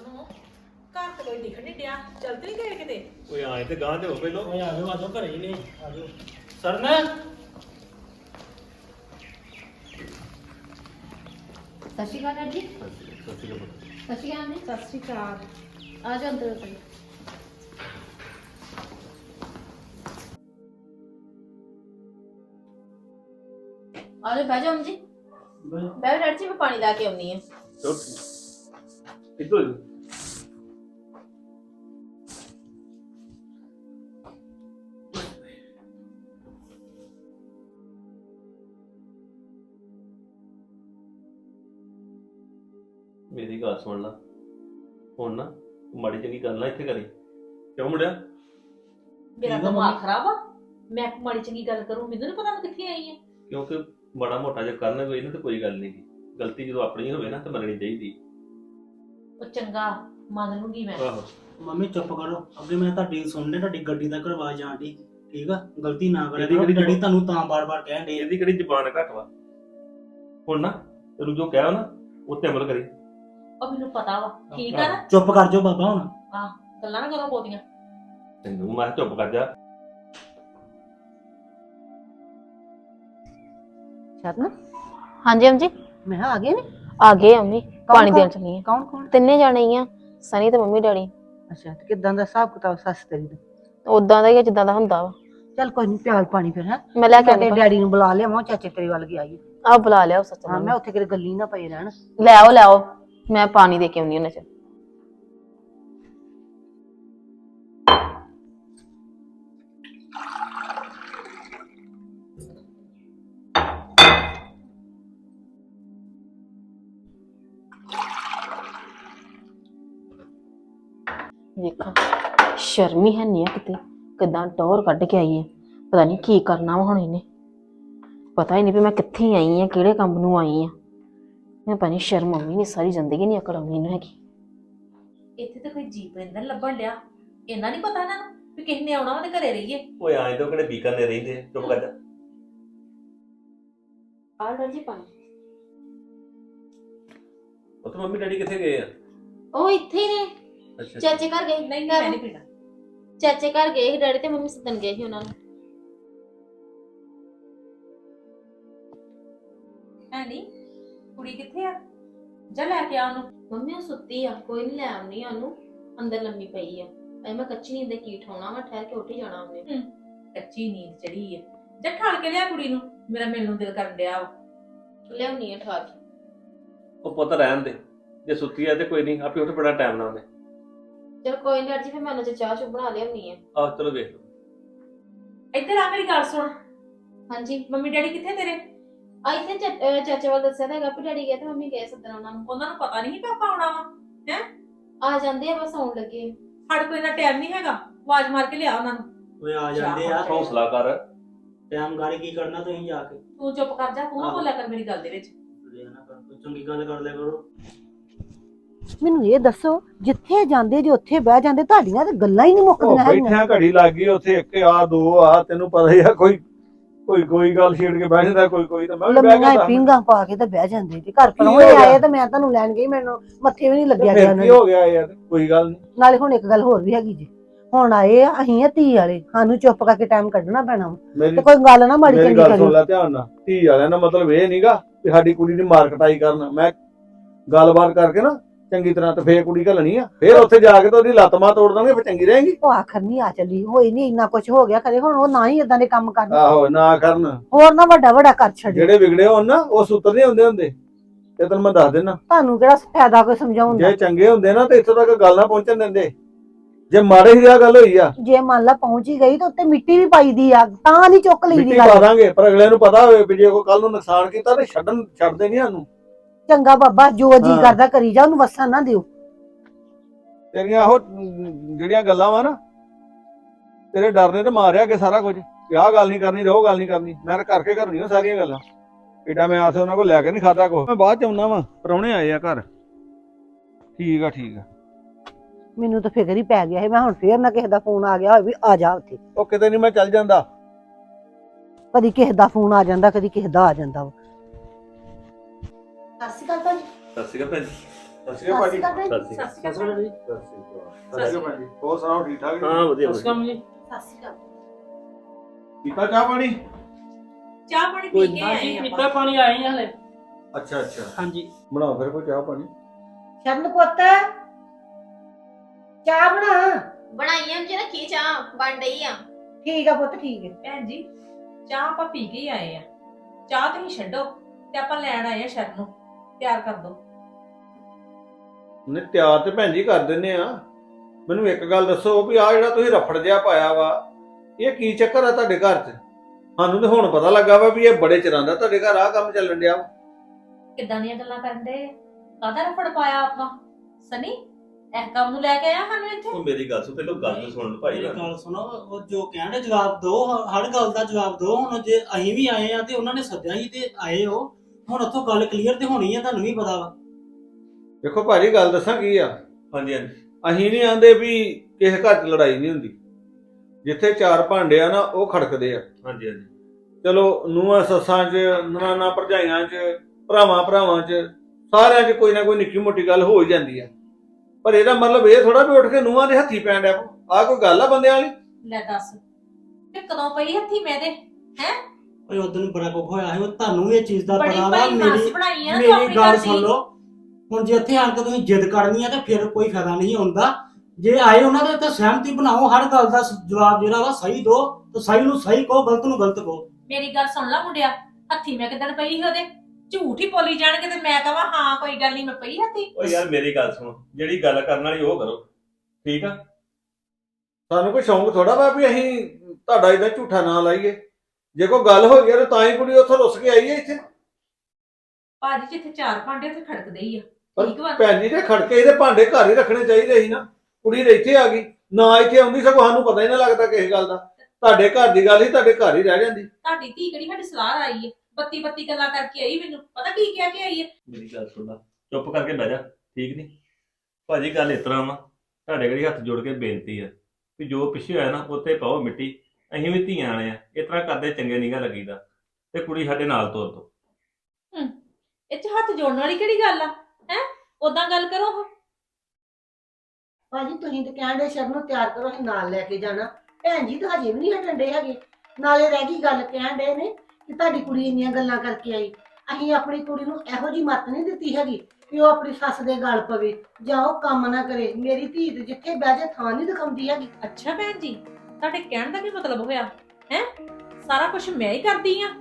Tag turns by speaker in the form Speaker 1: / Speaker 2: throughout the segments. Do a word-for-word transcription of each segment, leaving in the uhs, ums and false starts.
Speaker 1: ਸੁਣੋ ਘਰ ਤੇ ਕੋਈ ਦਿਖਣ ਨਹੀਂ ਡਿਆ ਚੱਲ ਤੇ ਨਹੀਂ ਗਏ ਕਿਤੇ
Speaker 2: ਓਏ ਆਏ ਤੇ ਗਾਂ ਤੇ ਹੋ ਪਹਿਲੋਂ
Speaker 3: ਓਏ ਆ ਜਾਓ ਆ ਜਾਓ ਘਰੇ ਹੀ ਨੇ ਆ ਜਾਓ ਸਰਨ
Speaker 4: ਸਤਿ ਸ਼੍ਰੀ ਅਕਾਲ ਡੈਡੀ ਜੀ।
Speaker 2: ਸਤਿ ਸ਼੍ਰੀ ਅਕਾਲ
Speaker 4: ਸਤਿ ਸ਼੍ਰੀ ਅਕਾਲ ਜੀ।
Speaker 1: ਸਤਿ ਸ਼੍ਰੀ ਅਕਾਲ
Speaker 4: ਆ ਜਾਓ ਅੰਦਰ ਤੁਸੀਂ। ਆ ਜਾਓ ਬਹਿ ਜਾਓ ਅੰਮ ਜੀ। ਬਹਿ ਜਾਓ ਡੈਡੀ ਜੀ, ਮੈਂ ਪਾਣੀ ਲੈ ਕੇ ਆਉਣੀ ਹੈ।
Speaker 2: ਚਲੋ ਇੱਧਰ ਮੇਰੀ ਗੱਲ ਸੁਣ ਲਾ ਹੁਣ ਨਾ ਮਾੜੀ ਚੰਗੀ ਗੱਲ ਨਾ ਇੱਥੇ ਕਰੀ ਕਿਉਂ ਮੁੰਡਿਆ
Speaker 1: ਮੇਰਾ ਦਿਮਾਗ ਖਰਾਬ ਆ ਮੈਂ ਮਾੜੀ ਚੰਗੀ ਗੱਲ ਕਰੂੰ ਮੈਨੂੰ ਨਹੀਂ ਪਤਾ ਮੈਂ ਕਿੱਥੇ ਆਈ ਆ
Speaker 2: ਕਿਉਂਕਿ ਮਾੜਾ ਮੋਟਾ ਜੇ ਕਰਨਾ ਕੋਈ ਨਾ ਤੇ ਕੋਈ ਗੱਲ ਨਹੀਂ ਗਲਤੀ ਜਦੋਂ ਆਪਣੀ ਹੋਵੇ ਨਾ ਤਾਂ ਮੰਨਣੀ ਚਾਹੀਦੀ
Speaker 1: ਉਹ ਚੰਗਾ ਮੰਨ ਲੂੰਗੀ ਮੈਂ
Speaker 2: ਆਹੋ
Speaker 3: ਮੰਮੀ ਚੁੱਪ ਕਰੋ ਅੱਗੇ ਮੈਂ ਤੁਹਾਡੀ ਸੁਣਨੇ ਤੁਹਾਡੀ ਗੱਡੀ ਤੱਕ ਆਵਾਜ਼ ਆਣ ਡਈ ਠੀਕ ਆ ਗਲਤੀ ਨਾ ਕਰਿਆ
Speaker 2: ਇਹਦੀ
Speaker 3: ਕਰੋ
Speaker 2: ਕਿਹੜੀ
Speaker 3: ਡੈਡੀ ਤੁਹਾਨੂੰ ਤਾਂ ਬਾਰ-ਬਾਰ ਕਹਿਣ ਡੇ
Speaker 2: ਇਹਦੀ ਕਿਹੜੀ ਜ਼ਬਾਨ ਘੱਟ ਵਾ ਹੁਣ ਨਾ ਤੈਨੂੰ ਜੋ ਕਿਹਾ ਨਾ ਉੱਤੇ ਅਮਲ ਕਰੀ
Speaker 1: ਉਹ ਮੈਨੂੰ ਪਤਾ ਵਾ ਠੀਕ ਆ ਨਾ
Speaker 3: ਚੁੱਪ ਕਰ ਜਾਓ ਬਾਬਾ ਹੁਣ
Speaker 1: ਹਾਂ ਗੱਲਾਂ ਨਾ ਕਰੋ ਬਹੁਤੀਆਂ
Speaker 2: ਤੈਨੂੰ ਮੈਂ ਕਿਹਾ ਚੁੱਪ ਕਰ ਜਾ
Speaker 5: ਸ਼ਰਨ
Speaker 6: ਹਾਂਜੀ ਅੰਮ ਜੀ
Speaker 5: ਮੈਂ ਕਿਹਾ ਆ ਗਏ ਨੇ
Speaker 6: ਆ ਗਏ ਅੰਮੀ ਪਾਣੀ ਦੇਣ ਚੱਲੀ ਆ
Speaker 5: ਕੌਣ ਕੌਣ
Speaker 6: ਤਿੰਨੇ ਜਾਣੇ ਹੀ ਆ ਸਨੀ ਤੇ ਮੰਮੀ ਡੈਡੀ
Speaker 5: ਅੱਛਾ ਤੇ ਕਿਦਾਂ ਦਾ ਹਿਸਾਬ ਕਿਤਾਬ ਸੱਸ ਤੇਰੀ ਦਾ
Speaker 6: ਉਦਾਂ ਦਾ ਹੀ ਆ ਜਿੱਦਾਂ ਦਾ ਹੁੰਦਾ ਵਾ
Speaker 5: ਚੱਲ ਕੋਈ ਨਹੀਂ ਪਿਆਲ ਪਾਣੀ ਫਿਰ ਹੈ
Speaker 6: ਮੈਂ ਲੈ ਕੇ
Speaker 5: ਤੇ
Speaker 6: ਆਉਂਦੀ
Speaker 5: ਡੈਡੀ ਨੂੰ ਬੁਲਾ ਲਿਆ ਮੈਂ ਚਾਚੇ ਤੇਰੇ ਵੱਲ ਗਿਆ ਆਈ
Speaker 6: ਆ ਬੁਲਾ ਲਿਆ ਸੱਚ
Speaker 5: ਹਾਂ ਮੈਂ ਉੱਥੇ ਕਿਤੇ ਗੱਲੀ ਨਾ ਪਈ ਰਹਿਣ
Speaker 6: ਲੈ ਆਓ ਲੈ ਆਓ ਮੈਂ ਪਾਣੀ ਦੇ ਕੇ ਆਉਣੀ ਉਹਨਾਂ ਚ ਦੇਖਾਂ ਸ਼ਰਮੀ ਹੈ ਨਹੀਂ ਕਿਤੇ ਕਿਦਾਂ ਟੌਰ ਕੱਢ ਕੇ ਆਈ ਹੈ ਪਤਾ ਨਹੀਂ ਕੀ ਕਰਨਾ ਵਾ ਹੁਣ ਇਹਨੇ ਪਤਾ ਹੀ ਨਹੀਂ ਵੀ ਮੈਂ ਕਿੱਥੇ ਆਈ ਆ ਕਿਹੜੇ ਕੰਮ ਨੂੰ ਆਈ ਆ ਮੈਂ ਪਤਾ ਨਹੀਂ ਸ਼ਰਮ ਆਉਣੀ ਨਹੀਂ ਸਾਰੀ ਜ਼ਿੰਦਗੀ ਨਹੀਂ ਅਕਲ ਆਉਣੀ ਨੂੰ ਹੈਗੀ
Speaker 1: ਇੱਥੇ ਤਾਂ ਕੋਈ ਜੀਪ ਇੰਦਰ ਲੱਭਣ ਡਿਆ ਇਹਨਾਂ ਨਹੀਂ ਪਤਾ ਇਹਨਾਂ ਨੂੰ ਵੀ ਕਿਸ ਨੇ ਆਉਣਾ ਉਹਦੇ ਘਰੇ ਰਹੀਏ
Speaker 2: ਓਏ ਆਏ ਤੋਂ ਕਿਹੜੇ ਬੀਕਰ ਨੇ ਰਹਿੰਦੇ ਆ, ਚੁੱਪ ਕਰ ਜਾ
Speaker 6: ਆ ਡਰ ਜੀ ਪਾਣੀ
Speaker 2: ਉੱਥੇ ਮੰਮੀ ਡੈਡੀ ਕਿੱਥੇ ਗਏ ਆ
Speaker 6: ਉਹ ਇੱਥੇ ਹੀ ਨੇ
Speaker 2: ਅੱਛਾ
Speaker 6: ਚਾਚੇ ਘਰ ਗਏ
Speaker 1: ਨਹੀਂ ਮੈਂ ਨਹੀਂ ਪੀਣਾ
Speaker 6: ਚਾਚੇ ਘਰ ਗਏ ਸੀ ਡੈਡੀ ਤੇ ਮੰਮੀ ਸੱਦਣ ਗਏ ਸੀ ਉਹਨਾਂ ਨੂੰ
Speaker 1: ਹੈ ਨਹੀਂ ਕੁੜੀ ਕਿੱਥੇ ਆ ਜਾ ਲੈ ਕੇ ਆ ਉਹਨੂੰ
Speaker 6: ਮੰਮੀ ਉਹ ਸੁੱਤੀ ਆ ਕੋਈ ਨਹੀਂ ਲੈ ਆਉਣੀ ਆ ਉਹਨੂੰ ਅੰਦਰ ਲੰਮੀ ਪਈ ਆ ਐ ਮੈਂ ਕੱਚੀ ਨੀਂਦ ਦੇ ਕੀ ਠਾਉਣਾ ਵਾ ਠਹਿਰ ਕੇ ਉੱਠ ਹੀ ਜਾਣਾ ਉਹਨੇ
Speaker 1: ਕੱਚੀ ਨੀਂਦ ਚੜੀ ਹੈ ਜਾ ਠਾਲ ਕੇ ਲਿਆ ਕੁੜੀ ਨੂੰ ਮੇਰਾ ਮਿਲਣ ਨੂੰ ਦਿਲ ਕਰਨ ਡਿਆ ਵਾ
Speaker 6: ਲਿਆਉਣੀ ਆ ਠਾ ਕੇ
Speaker 2: ਉਹ ਪੁੱਤ ਰਹਿਣ ਦੇ ਜੇ ਸੁੱਤੀ ਆ ਤੇ ਕੋਈ ਨਹੀਂ ਆਪੇ ਉੱਠ ਬੜਾ ਟਾਈਮ ਨਾਲ ਉਹਨੇ
Speaker 6: ਚਲ ਕੋਈ ਨਹੀਂ ਜੀ ਫਿਰ ਮੈਂ ਉਹਨਾਂ ਚ ਚਾਹ ਚੁ ਬਣਾ ਲਿਆਉਣੀ ਆ
Speaker 2: ਆਹ ਚਲੋ ਵੇਖ ਲਓ
Speaker 1: ਇੱਧਰ ਆ ਮੇਰੀ ਗੱਲ ਸੁਣ
Speaker 6: ਹਾਂਜੀ
Speaker 1: ਮੰਮੀ ਡੈਡੀ ਕਿੱਥੇ ਤੇਰੇ
Speaker 6: ਆ ਇੱਥੇ ਚਾ- ਅਹ ਚਾਚੇ ਵੱਲ ਦੱਸਿਆ ਤਾਂ ਹੈਗਾ ਵੀ ਡੈਡੀ ਗਏ ਤੇ ਮੰਮੀ ਗਏ ਸੱਦਣ ਉਹਨਾਂ ਨੂੰ
Speaker 1: ਉਹਨਾਂ ਨੂੰ ਪਤਾ ਨਹੀਂ ਪਾਪਾ ਆਉਣਾ ਵਾ
Speaker 6: ਆ ਜਾਂਦੇ ਆ ਬਸ ਆਉਣ ਲੱਗੇ
Speaker 1: ਸਾਡੇ ਕੋਲ ਇੰਨਾ ਟਾਈਮ ਨਹੀਂ ਹੈਗਾ ਆਵਾਜ਼ ਮਾਰ ਕੇ ਲਿਆ ਉਹਨਾਂ ਨੂੰ
Speaker 3: ਓਏ ਆ ਜਾਂਦੇ ਆ
Speaker 2: ਹੌਸਲਾ ਕਰ
Speaker 3: ਟਾਈਮ ਗਾੜੀ ਕੀ ਕਰਨਾ ਤੁਸੀਂ ਜਾ ਕੇ
Speaker 1: ਤੂੰ ਚੁੱਪ ਕਰ ਜਾ ਤੂੰ ਨਾ
Speaker 3: ਆਹੋ।
Speaker 1: ਬੋਲਿਆ ਕਰ ਮੇਰੀ ਗੱਲ ਦੇ ਵਿੱਚ
Speaker 3: ਨਾ ਕਰ ਕੋਈ ਚੰਗੀ ਗੱਲ ਕਰ ਲਿਆ ਕਰੋ
Speaker 5: ਮੈਨੂੰ ਇਹ ਦੱਸੋ ਜਿੱਥੇ ਜਾਂਦੇ ਜੇ ਉੱਥੇ ਬਹਿ ਜਾਂਦੇ ਤੁਹਾਡੀਆਂ ਤੇ ਗੱਲਾਂ ਹੀ ਨਹੀਂ
Speaker 7: ਉਹ
Speaker 5: ਮੁੱਕਦੀਆਂ ਹੈਗੀਆਂ
Speaker 7: ਬੈਠਿਆ ਘੜੀ ਲੱਗ ਗਈ ਉੱਥੇ ਇੱਕ ਆ ਦੋ ਆ ਤੈਨੂੰ ਪਤਾ ਹੀ ਆ ਕੋਈ ਕੋਈ ਕੋਈ ਗੱਲ ਛੇੜ ਕੇ ਬਹਿ ਜਾਂਦਾ ਕੋਈ ਕੋਈ ਤਾਂ ਮੈਂ ਵੀ ਬਹਿ
Speaker 5: ਲੰਮੀਆਂ
Speaker 7: ਗਿਆ
Speaker 5: ਪਿੰਗਾਂ ਪਾ ਕੇ ਤੇ ਬਹਿ ਜਾਂਦੇ ਜੀ ਘਰ
Speaker 7: ਕੀ
Speaker 5: ਪਰੋਣੇ
Speaker 7: ਹੋ ਗਿਆ?
Speaker 5: ਆਏ ਤੇ ਮੈਂ ਤੁਹਾਨੂੰ ਲੈਣ ਗਈ ਮੈਨੂੰ ਮੱਥੇ ਵੀ ਨਹੀਂ ਲੱਗਿਆ ਗਿਆ
Speaker 7: ਫਿਰ
Speaker 5: ਉਹਨਾਂ
Speaker 7: ਕੀ
Speaker 5: ਨੂੰ
Speaker 7: ਹੋ ਗਿਆ ਯਾਰ ਕੋਈ ਗੱਲ ਨਹੀਂ
Speaker 5: ਨਾਲੇ ਹੁਣ ਇੱਕ ਗੱਲ ਹੋਰ ਵੀ ਹੈਗੀ ਜੀ ਹੁਣ ਆਏ ਆ ਅਸੀਂ ਆ ਧੀ ਵਾਲੇ ਸਾਨੂੰ ਚੁੱਪ ਕਰਕੇ ਟਾਈਮ ਕੱਢਣਾ ਪੈਣਾ ਵਾ।
Speaker 7: ਮੇਰੀ
Speaker 5: ਤੇ ਕੋਈ ਗੱਲ ਨਾ ਮਾੜੀ
Speaker 7: ਮੇਰੀ
Speaker 5: ਚੰਗੀ
Speaker 7: ਗੱਲ ਸੁਣ
Speaker 5: ਕਰਿਓ
Speaker 7: ਲੈ ਧਿਆਨ ਨਾਲ ਧੀ ਵਾਲਿਆਂ ਦਾ ਮਤਲਬ ਇਹ ਨਹੀਂਗਾ ਕਿ ਸਾਡੀ ਕੁੜੀ ਦੀ ਮਾਰ ਕਟਾਈ ਕਰਨਾ ਮੈਂ ਗੱਲਬਾਤ ਕਰਕੇ ਨਾ ਚੰਗੀ ਤਰ੍ਹਾਂ ਤੇ ਫੇਰ ਕੁੜੀ ਘੱਲਣੀ ਆ ਫੇਰ ਉੱਥੇ ਜਾ ਕੇ ਤਾਂ ਉਹਦੀ ਲੱਤ ਮਾਂ ਤੋੜ ਦਾਂਗੇ ਫੇਰ ਚੰਗੀ ਰਹੇਗੀ
Speaker 5: ਉਹ ਆਖਰ ਨਹੀਂ ਆ ਚੱਲੀ ਹੋਈ ਨਹੀਂ ਇੰਨਾ ਕੁਝ ਹੋ ਗਿਆ ਕਦੇ ਹੁਣ ਉਹ ਨਾ ਹੀ ਇਦਾਂ ਦੇ ਕੰਮ ਕਰਨ
Speaker 7: ਆਹੋ ਨਾ ਕਰਨ
Speaker 5: ਹੋਰ ਨਾ ਵੱਡਾ ਵੱਡਾ ਕਰ ਛੱਡੇ
Speaker 7: ਜਿਹੜੇ ਵਿਗੜੇ ਹੋਣ ਨਾ ਉਹ ਸੂਤਰ ਨਹੀਂ ਹੁੰਦੇ ਹੁੰਦੇ ਤੇ ਤੈਨੂੰ ਮੈਂ ਦੱਸ ਦਿੰਦਾ
Speaker 5: ਤੁਹਾਨੂੰ ਕਿਹੜਾ ਫਾਇਦਾ ਕੋਈ ਸਮਝਾਉਣ ਦਾ
Speaker 7: ਜੇ ਚੰਗੇ ਹੁੰਦੇ ਨਾ ਤੇ ਇੱਥੋਂ ਤੱਕ ਗੱਲ ਨਾ ਪਹੁੰਚਣ ਦਿੰਦੇ ਜੇ ਮਾੜੇ ਹੀ ਆ ਗੱਲ ਹੋਈ ਆ
Speaker 5: ਜੇ ਮੰਨ ਲਾ ਪਹੁੰਚ ਹੀ ਗਈ ਤਾਂ ਉੱਤੇ ਮਿੱਟੀ ਵੀ ਪਾਈ ਦੀ ਆ ਤਾਂ ਨਹੀਂ ਚੁੱਕ ਲਈ ਦੀ
Speaker 7: ਮਿੱਟੀ
Speaker 5: ਗੱਲ
Speaker 7: ਪਾ ਦਾਂਗੇ ਪਰ ਅਗਲੇ ਨੂੰ ਪਤਾ ਹੋਵੇ ਵੀ ਜੇ ਕੋਈ ਕੱਲ ਨੂੰ ਨੁਕਸਾਨ ਕੀਤਾ ਤੇ ਛੱਡਣ ਛੱਡਦੇ ਨਹੀਂ ਸਾਨੂੰ
Speaker 5: ਚੰਗਾ ਬਾਬਾ ਜੋ ਜੀ
Speaker 7: ਹਾਂ।
Speaker 5: ਕਰਦਾ ਕਰੀ ਜਾ ਉਹਨੂੰ ਵਸਣ ਨਾ ਦਿਓ
Speaker 7: ਤੇਰੀਆਂ ਉਹ ਜਿਹੜੀਆਂ ਗੱਲਾਂ ਵਾ ਨਾ ਤੇਰੇ ਡਰ ਨੇ ਤੇ ਮਾਰਿਆ ਕਿ ਸਾਰਾ ਕੁਝ ਕਿ ਆਹ ਗੱਲ ਨਹੀਂ ਕਰਨੀ ਤੇ ਉਹ ਗੱਲ ਨਹੀਂ ਕਰਨੀ ਮੈਂ ਤਾਂ ਕਰਕੇ ਕਰਨੀ ਉਹ ਸਾਰੀਆਂ ਗੱਲਾਂ ਏਡਾ ਮੈਂ ਆਸੇ ਉਹਨਾਂ ਕੋਲ ਲੈ ਕੇ ਨਹੀਂ ਖਾਦਾ ਕੋ ਮੈਂ ਬਾਅਦ ਚ ਆਉਣਾ ਵਾ ਪ੍ਰਾਹੁਣੇ ਆਏ ਆ ਘਰ ਠੀਕ ਆ ਠੀਕ ਆ
Speaker 5: ਮੈਨੂੰ ਤਾਂ ਫਿਕਰ ਹੀ ਪੈ ਗਿਆ ਸੀ ਮੈਂ ਹੁਣ ਫੇਰ ਨਾ ਕਿਸੇ ਦਾ ਫੋਨ ਆ ਗਿਆ ਹੋਵੇ ਵੀ ਆ ਜਾ ਉੱਥੇ
Speaker 7: ਉਹ ਕਿਤੇ ਨਹੀਂ ਮੈਂ ਚੱਲ ਜਾਂਦਾ
Speaker 5: ਕਦੀ ਕਿਸੇ ਦਾ ਫੋਨ ਆ ਜਾਂਦਾ ਕਦੀ ਕਿਸੇ ਦਾ ਆ ਜਾਂਦਾ ਵਾ
Speaker 6: ਸਤਿ ਸ਼੍ਰੀ ਅਕਾਲ ਭਾਜੀ
Speaker 2: ਸਤਿ ਸ਼੍ਰੀ ਅਕਾਲ ਭੈਣ ਜੀ
Speaker 7: ਸਤਿ ਸ਼੍ਰੀ ਅਕਾਲ ਭਾਜੀ।
Speaker 2: ਸਤਿ ਸ਼੍ਰੀ ਅਕਾਲ।
Speaker 1: ਸਤਿ ਸ਼੍ਰੀ ਅਕਾਲ।
Speaker 3: ਜੀ
Speaker 7: ਸਤਿ ਸ਼੍ਰੀ ਅਕਾਲ ਭਾਜੀ। ਹੋਰ ਸੁਣਾਓ, ਠੀਕ ਠਾਕ ਜੀ?
Speaker 2: ਹਾਂ ਵਧੀਆ
Speaker 3: ਉਸ ਕੰਮ ਜੀ
Speaker 1: ਸਤਿ ਸ਼੍ਰੀ ਅਕਾਲ।
Speaker 7: ਪੀਤਾ ਚਾਹ ਪਾਣੀ?
Speaker 1: ਚਾਹ ਪਾਣੀ
Speaker 3: ਕੋਈ
Speaker 1: ਪੀ ਕੇ
Speaker 3: ਨਾ
Speaker 1: ਆਏ
Speaker 3: ਜੀ,
Speaker 1: ਆਪਾਂ।
Speaker 3: ਪੀਤਾ ਪਾਣੀ ਆਏ ਆ ਹਲੇ।
Speaker 7: ਅੱਛਾ ਅੱਛਾ,
Speaker 3: ਹਾਂਜੀ
Speaker 7: ਬਣਾਓ ਫਿਰ ਕੋਈ ਚਾਹ ਪਾਣੀ।
Speaker 5: ਸ਼ਰਨ ਪੁੱਤ ਚਾਹ ਬਣਾ।
Speaker 4: ਬਣਾਈਆਂ ਜੀ ਰੱਖੀ ਚਾਹ ਬਣ ਰਹੀ ਆ।
Speaker 5: ਠੀਕ ਆ ਪੁੱਤ, ਠੀਕ ਹੈ।
Speaker 1: ਭੈਣ ਜੀ ਚਾਹ ਆਪਾਂ ਪੀ ਕੇ ਹੀ ਆਏ ਆ। ਚਾਹ ਤੁਸੀਂ ਛੱਡੋ ਤੇ ਆਪਾਂ ਲੈਣ ਆਏ ਆ ਸ਼ਰਨ ਨੂੰ। ਤਿਆਰ ਕਰ ਦੋ।
Speaker 7: ਨੇ ਤਿਆਰ ਤੇ ਭੈਣ ਜੀ ਕਰ ਦਿੰਨੇ ਆ। ਮੈਨੂੰ ਇੱਕ ਗੱਲ ਦੱਸੋ ਵੀ ਆ ਜਿਹੜਾ ਤੁਸੀਂ ਰਫੜ ਜਿਹਾ ਪਾਇਆ ਵਾ, ਇਹ ਕੀ ਚੱਕਰ ਆ ਤੁਹਾਡੇ ਘਰ 'ਚ? ਸਾਨੂੰ ਤੇ ਹੁਣ ਪਤਾ ਲੱਗਾ ਵਾ ਵੀ ਇਹ ਬੜੇ ਚਿਰਾਂ ਦਾ ਤੁਹਾਡੇ ਘਰ ਆ ਕੰਮ ਚੱਲਣ ਡਿਆ ਵਾ।
Speaker 1: ਕਿੱਦਾਂ ਦੀਆਂ ਗੱਲਾਂ ਕਰਨ ਦੇ? ਕਾਹਦਾ ਰਫੜ ਪਾਇਆ ਆਪਾਂ? ਸਨੀ ਇਹ ਕੰਮ ਨੂੰ ਲੈ ਕੇ ਆਇਆ ਸਾਨੂੰ ਇੱਥੇ?
Speaker 2: ਉਹ ਮੇਰੀ ਗੱਲ ਸੁਣ, ਪਹਿਲਾਂ ਗੱਲ ਤਾਂ ਸੁਣ ਲਓ ਭਾਈ।
Speaker 3: ਮੇਰੀ ਗੱਲ ਸੁਣੋ, ਉਹ ਜੋ ਕਹਿੰਦੇ ਜਵਾਬ ਦਿਓ, ਹਰ ਗੱਲ ਦਾ ਜਵਾਬ ਦਿਓ। ਹੁਣ ਜੇ ਅਸੀਂ ਵੀ ਆਏ ਆ ਤੇ ਉਹਨਾਂ ਨੇ ਸੱਦਿਆ ਸੀ ਤੇ ਆਏ ਹੋ, ਹੁਣ ਉੱਥੋਂ ਗੱਲ ਕਲੀਅਰ ਤੇ ਹੋਣੀ ਆ, ਤੁਹਾਨੂੰ ਵੀ ਪਤਾ ਵਾ।
Speaker 7: ਦੇਖੋ ਭਾਜੀ, ਗੱਲ ਦੱਸਾਂ ਕੀ ਆ,
Speaker 2: ਹਾਂਜੀ ਹਾਂਜੀ
Speaker 7: ਅਸੀਂ ਨਹੀਂ ਆਂਦੇ ਵੀ ਕਿਸੇ ਘਰ 'ਚ ਲੜਾਈ ਨਹੀਂ ਹੁੰਦੀ। ਜਿੱਥੇ ਚਾਰ ਭਾਂਡੇ ਆ ਨਾ ਉਹ ਖੜਕਦੇ ਆ।
Speaker 2: ਹਾਂਜੀ ਹਾਂਜੀ
Speaker 7: ਚਲੋ ਨੂੰਹਾਂ ਸੱਸਾਂ 'ਚ, ਨਨਾਣਾ ਭਰਜਾਈਆਂ 'ਚ, ਭਰਾਵਾਂ ਭਰਾਵਾਂ 'ਚ, ਸਾਰਿਆਂ 'ਚ ਕੋਈ ਨਾ ਕੋਈ ਨਿੱਕੀ ਮੋਟੀ ਗੱਲ ਹੋ ਹੀ ਜਾਂਦੀ ਆ। ਪਰ ਇਹਦਾ ਮਤਲਬ ਇਹ ਥੋੜਾ ਵੀ ਉੱਠ ਕੇ ਨੂੰਹਾਂ ਦੇ ਹੱਥੀ ਪੈਣ ਡਿਆ। ਆਹ ਕੋਈ ਗੱਲ ਆ ਬੰਦਿਆਂ ਵਾਲੀ?
Speaker 1: ਲੈ ਦੱਸ ਤੇ ਕਦੋਂ ਪਈ ਹੱਥੀ ਮੈਂ ਦੇ?
Speaker 3: ਓਏ ਉਦੋਂ ਬੜਾ ਕੁਝ ਹੋਇਆ ਸੀ, ਉਹ ਤੁਹਾਨੂੰ ਵੀ ਇਹ ਚੀਜ਼ ਦਾ
Speaker 1: ਬੜੀ
Speaker 3: ਪਤਾ ਵਾ।
Speaker 1: ਭਾਈ ਮਾਸ
Speaker 3: ਮੇਰੀ
Speaker 1: ਬਣਾਈ ਆ ਤੂੰ
Speaker 3: ਮੇਰੀ
Speaker 1: ਆਪਣੀ
Speaker 3: ਗੱਲ
Speaker 1: ਘਰ
Speaker 3: ਸੁਣ
Speaker 1: ਦੀ।
Speaker 3: ਲਓ, ਹੁਣ ਜੇ ਇੱਥੇ ਆਣ ਕੇ ਤੁਸੀਂ ਜਿੱਦ ਕਰਨੀ ਆ ਤੇ ਫਿਰ ਕੋਈ ਫਾਇਦਾ ਨਹੀਂ ਹੁੰਦਾ। ਜੇ ਆਏ ਉਹਨਾਂ ਦੇ ਤਾਂ ਸਹਿਮਤੀ ਬਣਾਓ, ਹਰ ਗੱਲ ਦਾ ਜਵਾਬ ਜਿਹੜਾ ਵਾ ਸਹੀ ਦਿਓ, ਤੇ ਸਹੀ ਨੂੰ ਸਹੀ ਕਹੋ, ਗਲਤ ਨੂੰ ਗਲਤ ਕਹੋ।
Speaker 1: ਮੇਰੀ ਗੱਲ ਸੁਣ ਲੈ ਮੁੰਡਿਆ, ਹੱਥੀ ਮੈਂ ਕਿੱਦਣ ਪਈ ਸੀ ਉਹਦੇ? ਝੂਠ ਹੀ ਬੋਲੀ ਜਾਣਗੇ ਤੇ ਮੈਂ ਕਹਾਂ ਹਾਂ ਕੋਈ ਗੱਲ ਨਹੀਂ ਮੈਂ ਪਈ ਹੱਥੀ।
Speaker 2: ਉਹ ਯਾਰ ਮੇਰੀ ਗੱਲ ਸੁਣ, ਜਿਹੜੀ ਗੱਲ ਕਰਨ ਵਾਲੀ ਉਹ ਕਰੋ, ਠੀਕ ਆ?
Speaker 7: ਸਾਨੂੰ ਕੋਈ ਸ਼ੌਂਕ ਥੋੜਾ ਵਾ ਵੀ ਅਸੀਂ ਤੁਹਾਡਾ ਇਹਦਾ ਝੂਠਾ ਨਾਂ ਲਾਈਏ। ਜੇ ਕੋਈ ਗੱਲ ਹੋ ਗਈ ਤਾਂ ਤਾਂ ਹੀ ਕੁੜੀ ਉੱਥੋਂ ਰੁੱਸ ਕੇ ਆਈ ਹੈ ਇੱਥੇ।
Speaker 1: ਭਾਜੀ ਜਿੱਥੇ ਚਾਰ ਭਾਂਡੇ ਉੱਥੇ ਖੜਕਦੇ ਹੀ ਆ।
Speaker 7: ਪਰ
Speaker 1: ਠੀਕ ਵਾ?
Speaker 7: ਭੈਣ ਜੀ ਦੇ ਖੜਕੇ ਇਹਦੇ ਭਾਂਡੇ ਘਰ ਹੀ ਰੱਖਣੇ ਚਾਹੀਦੇ ਸੀ ਨਾ। ਕੁੜੀ ਤਾਂ ਇੱਥੇ ਆ ਗਈ, ਨਾ ਇੱਥੇ ਆਉਂਦੀ ਸਗੋਂ ਸਾਨੂੰ ਪਤਾ ਹੀ ਨਾ ਲੱਗਦਾ ਕਿਸੇ ਗੱਲ ਦਾ। ਤੁਹਾਡੇ ਘਰ ਦੀ ਗੱਲ ਹੀ ਤੁਹਾਡੇ ਘਰ ਹੀ ਰਹਿ ਜਾਂਦੀ।
Speaker 1: ਤੁਹਾਡੀ ਧੀ ਕਿਹੜੀ ਸਾਡੀ ਸਲਾਹ ਆਈ ਹੈ? ਬੱਤੀ ਬੱਤੀ ਗੱਲਾਂ ਕਰਕੇ ਆਈ, ਮੈਨੂੰ ਪਤਾ ਕੀ ਕਹਿ ਕੇ ਆਈ ਹੈ।
Speaker 2: ਮੇਰੀ ਗੱਲ ਸੁਣ ਲਾ, ਚੁੱਪ ਕਰਕੇ ਬਹਿ ਜਾ, ਠੀਕ ਨਹੀਂ? ਭਾਜੀ ਗੱਲ ਇਸ ਤਰ੍ਹਾਂ ਵਾ, ਤੁਹਾਡੇ ਘੜੀ ਹੱਥ ਜੋੜ ਕੇ ਬੇਨਤੀ ਆ ਵੀ ਜੋ ਪਿੱਛੇ ਹੋਇਆ ਨਾ ਉੱਤੇ ਪਾਓ ਮਿੱਟੀ। ਅਸੀਂ ਵੀ ਧੀਆਂ ਆਣੇ ਆ, ਇਸ ਤਰ੍ਹਾਂ ਕਰਦੇ ਚੰਗੇ ਨੀਗਾ ਲੱਗੀਦਾ। ਤੇ ਕੁੜੀ ਸਾਡੇ ਨਾਲ ਤੋਰ ਦੋ।
Speaker 1: ਇਹ ਚ ਹੱਥ ਜੋੜਨ ਵਾਲੀ ਕਿਹੜੀ ਗੱਲ ਆ? ਹੈ ਉਦਾਂ ਗੱਲ ਕਰੋ।
Speaker 5: ਭਾਜੀ ਤੁਸੀਂ ਤੇ ਕਹਿੰਦੇ ਸ਼ਰਨ ਨੂੰ ਤਿਆਰ ਕਰੋ, ਅਸੀਂ ਨਾਲ ਲੈ ਕੇ ਜਾਣਾ। ਭੈਣ ਜੀ ਤਾਂ ਹਜੇ ਵੀ ਨਹੀਂ ਹਟਣ ਡੇ ਹੈਗੇ। ਨਾਲੇ ਰਹਿ ਗਈ ਗੱਲ, ਕਹਿੰਦੇ ਨੇ ਕਿ ਤੁਹਾਡੀ ਕੁੜੀ ਇੰਨੀਆਂ ਗੱਲਾਂ ਕਰਕੇ ਆਈ। ਅਸੀਂ ਆਪਣੀ ਕੁੜੀ ਨੂੰ ਇਹੋ ਜਿਹੀ ਮੱਤ ਨਹੀਂ ਦਿੱਤੀ ਹੈਗੀ ਕਿ ਉਹ ਆਪਣੀ ਸੱਸ ਦੇ ਗਲ ਪਵੇ ਜਾਂ ਉਹ ਕੰਮ ਨਾ ਕਰੇ। ਮੇਰੀ ਧੀ ਤੇ ਜਿੱਥੇ ਬਹਿ ਜਾ ਥਾਂ ਨਹੀਂ ਦਿਖਾਉਂਦੀ ਹੈਗੀ।
Speaker 1: ਅੱਛਾ ਭੈਣ ਜੀ, ਤੁਹਾਡੇ ਕਹਿਣ ਦਾ ਕੀ ਮਤਲਬ ਹੋਇਆ? ਹੈ ਸਾਰਾ ਕੁਝ ਮੈਂ ਹੀ ਕਰਦੀ ਆ?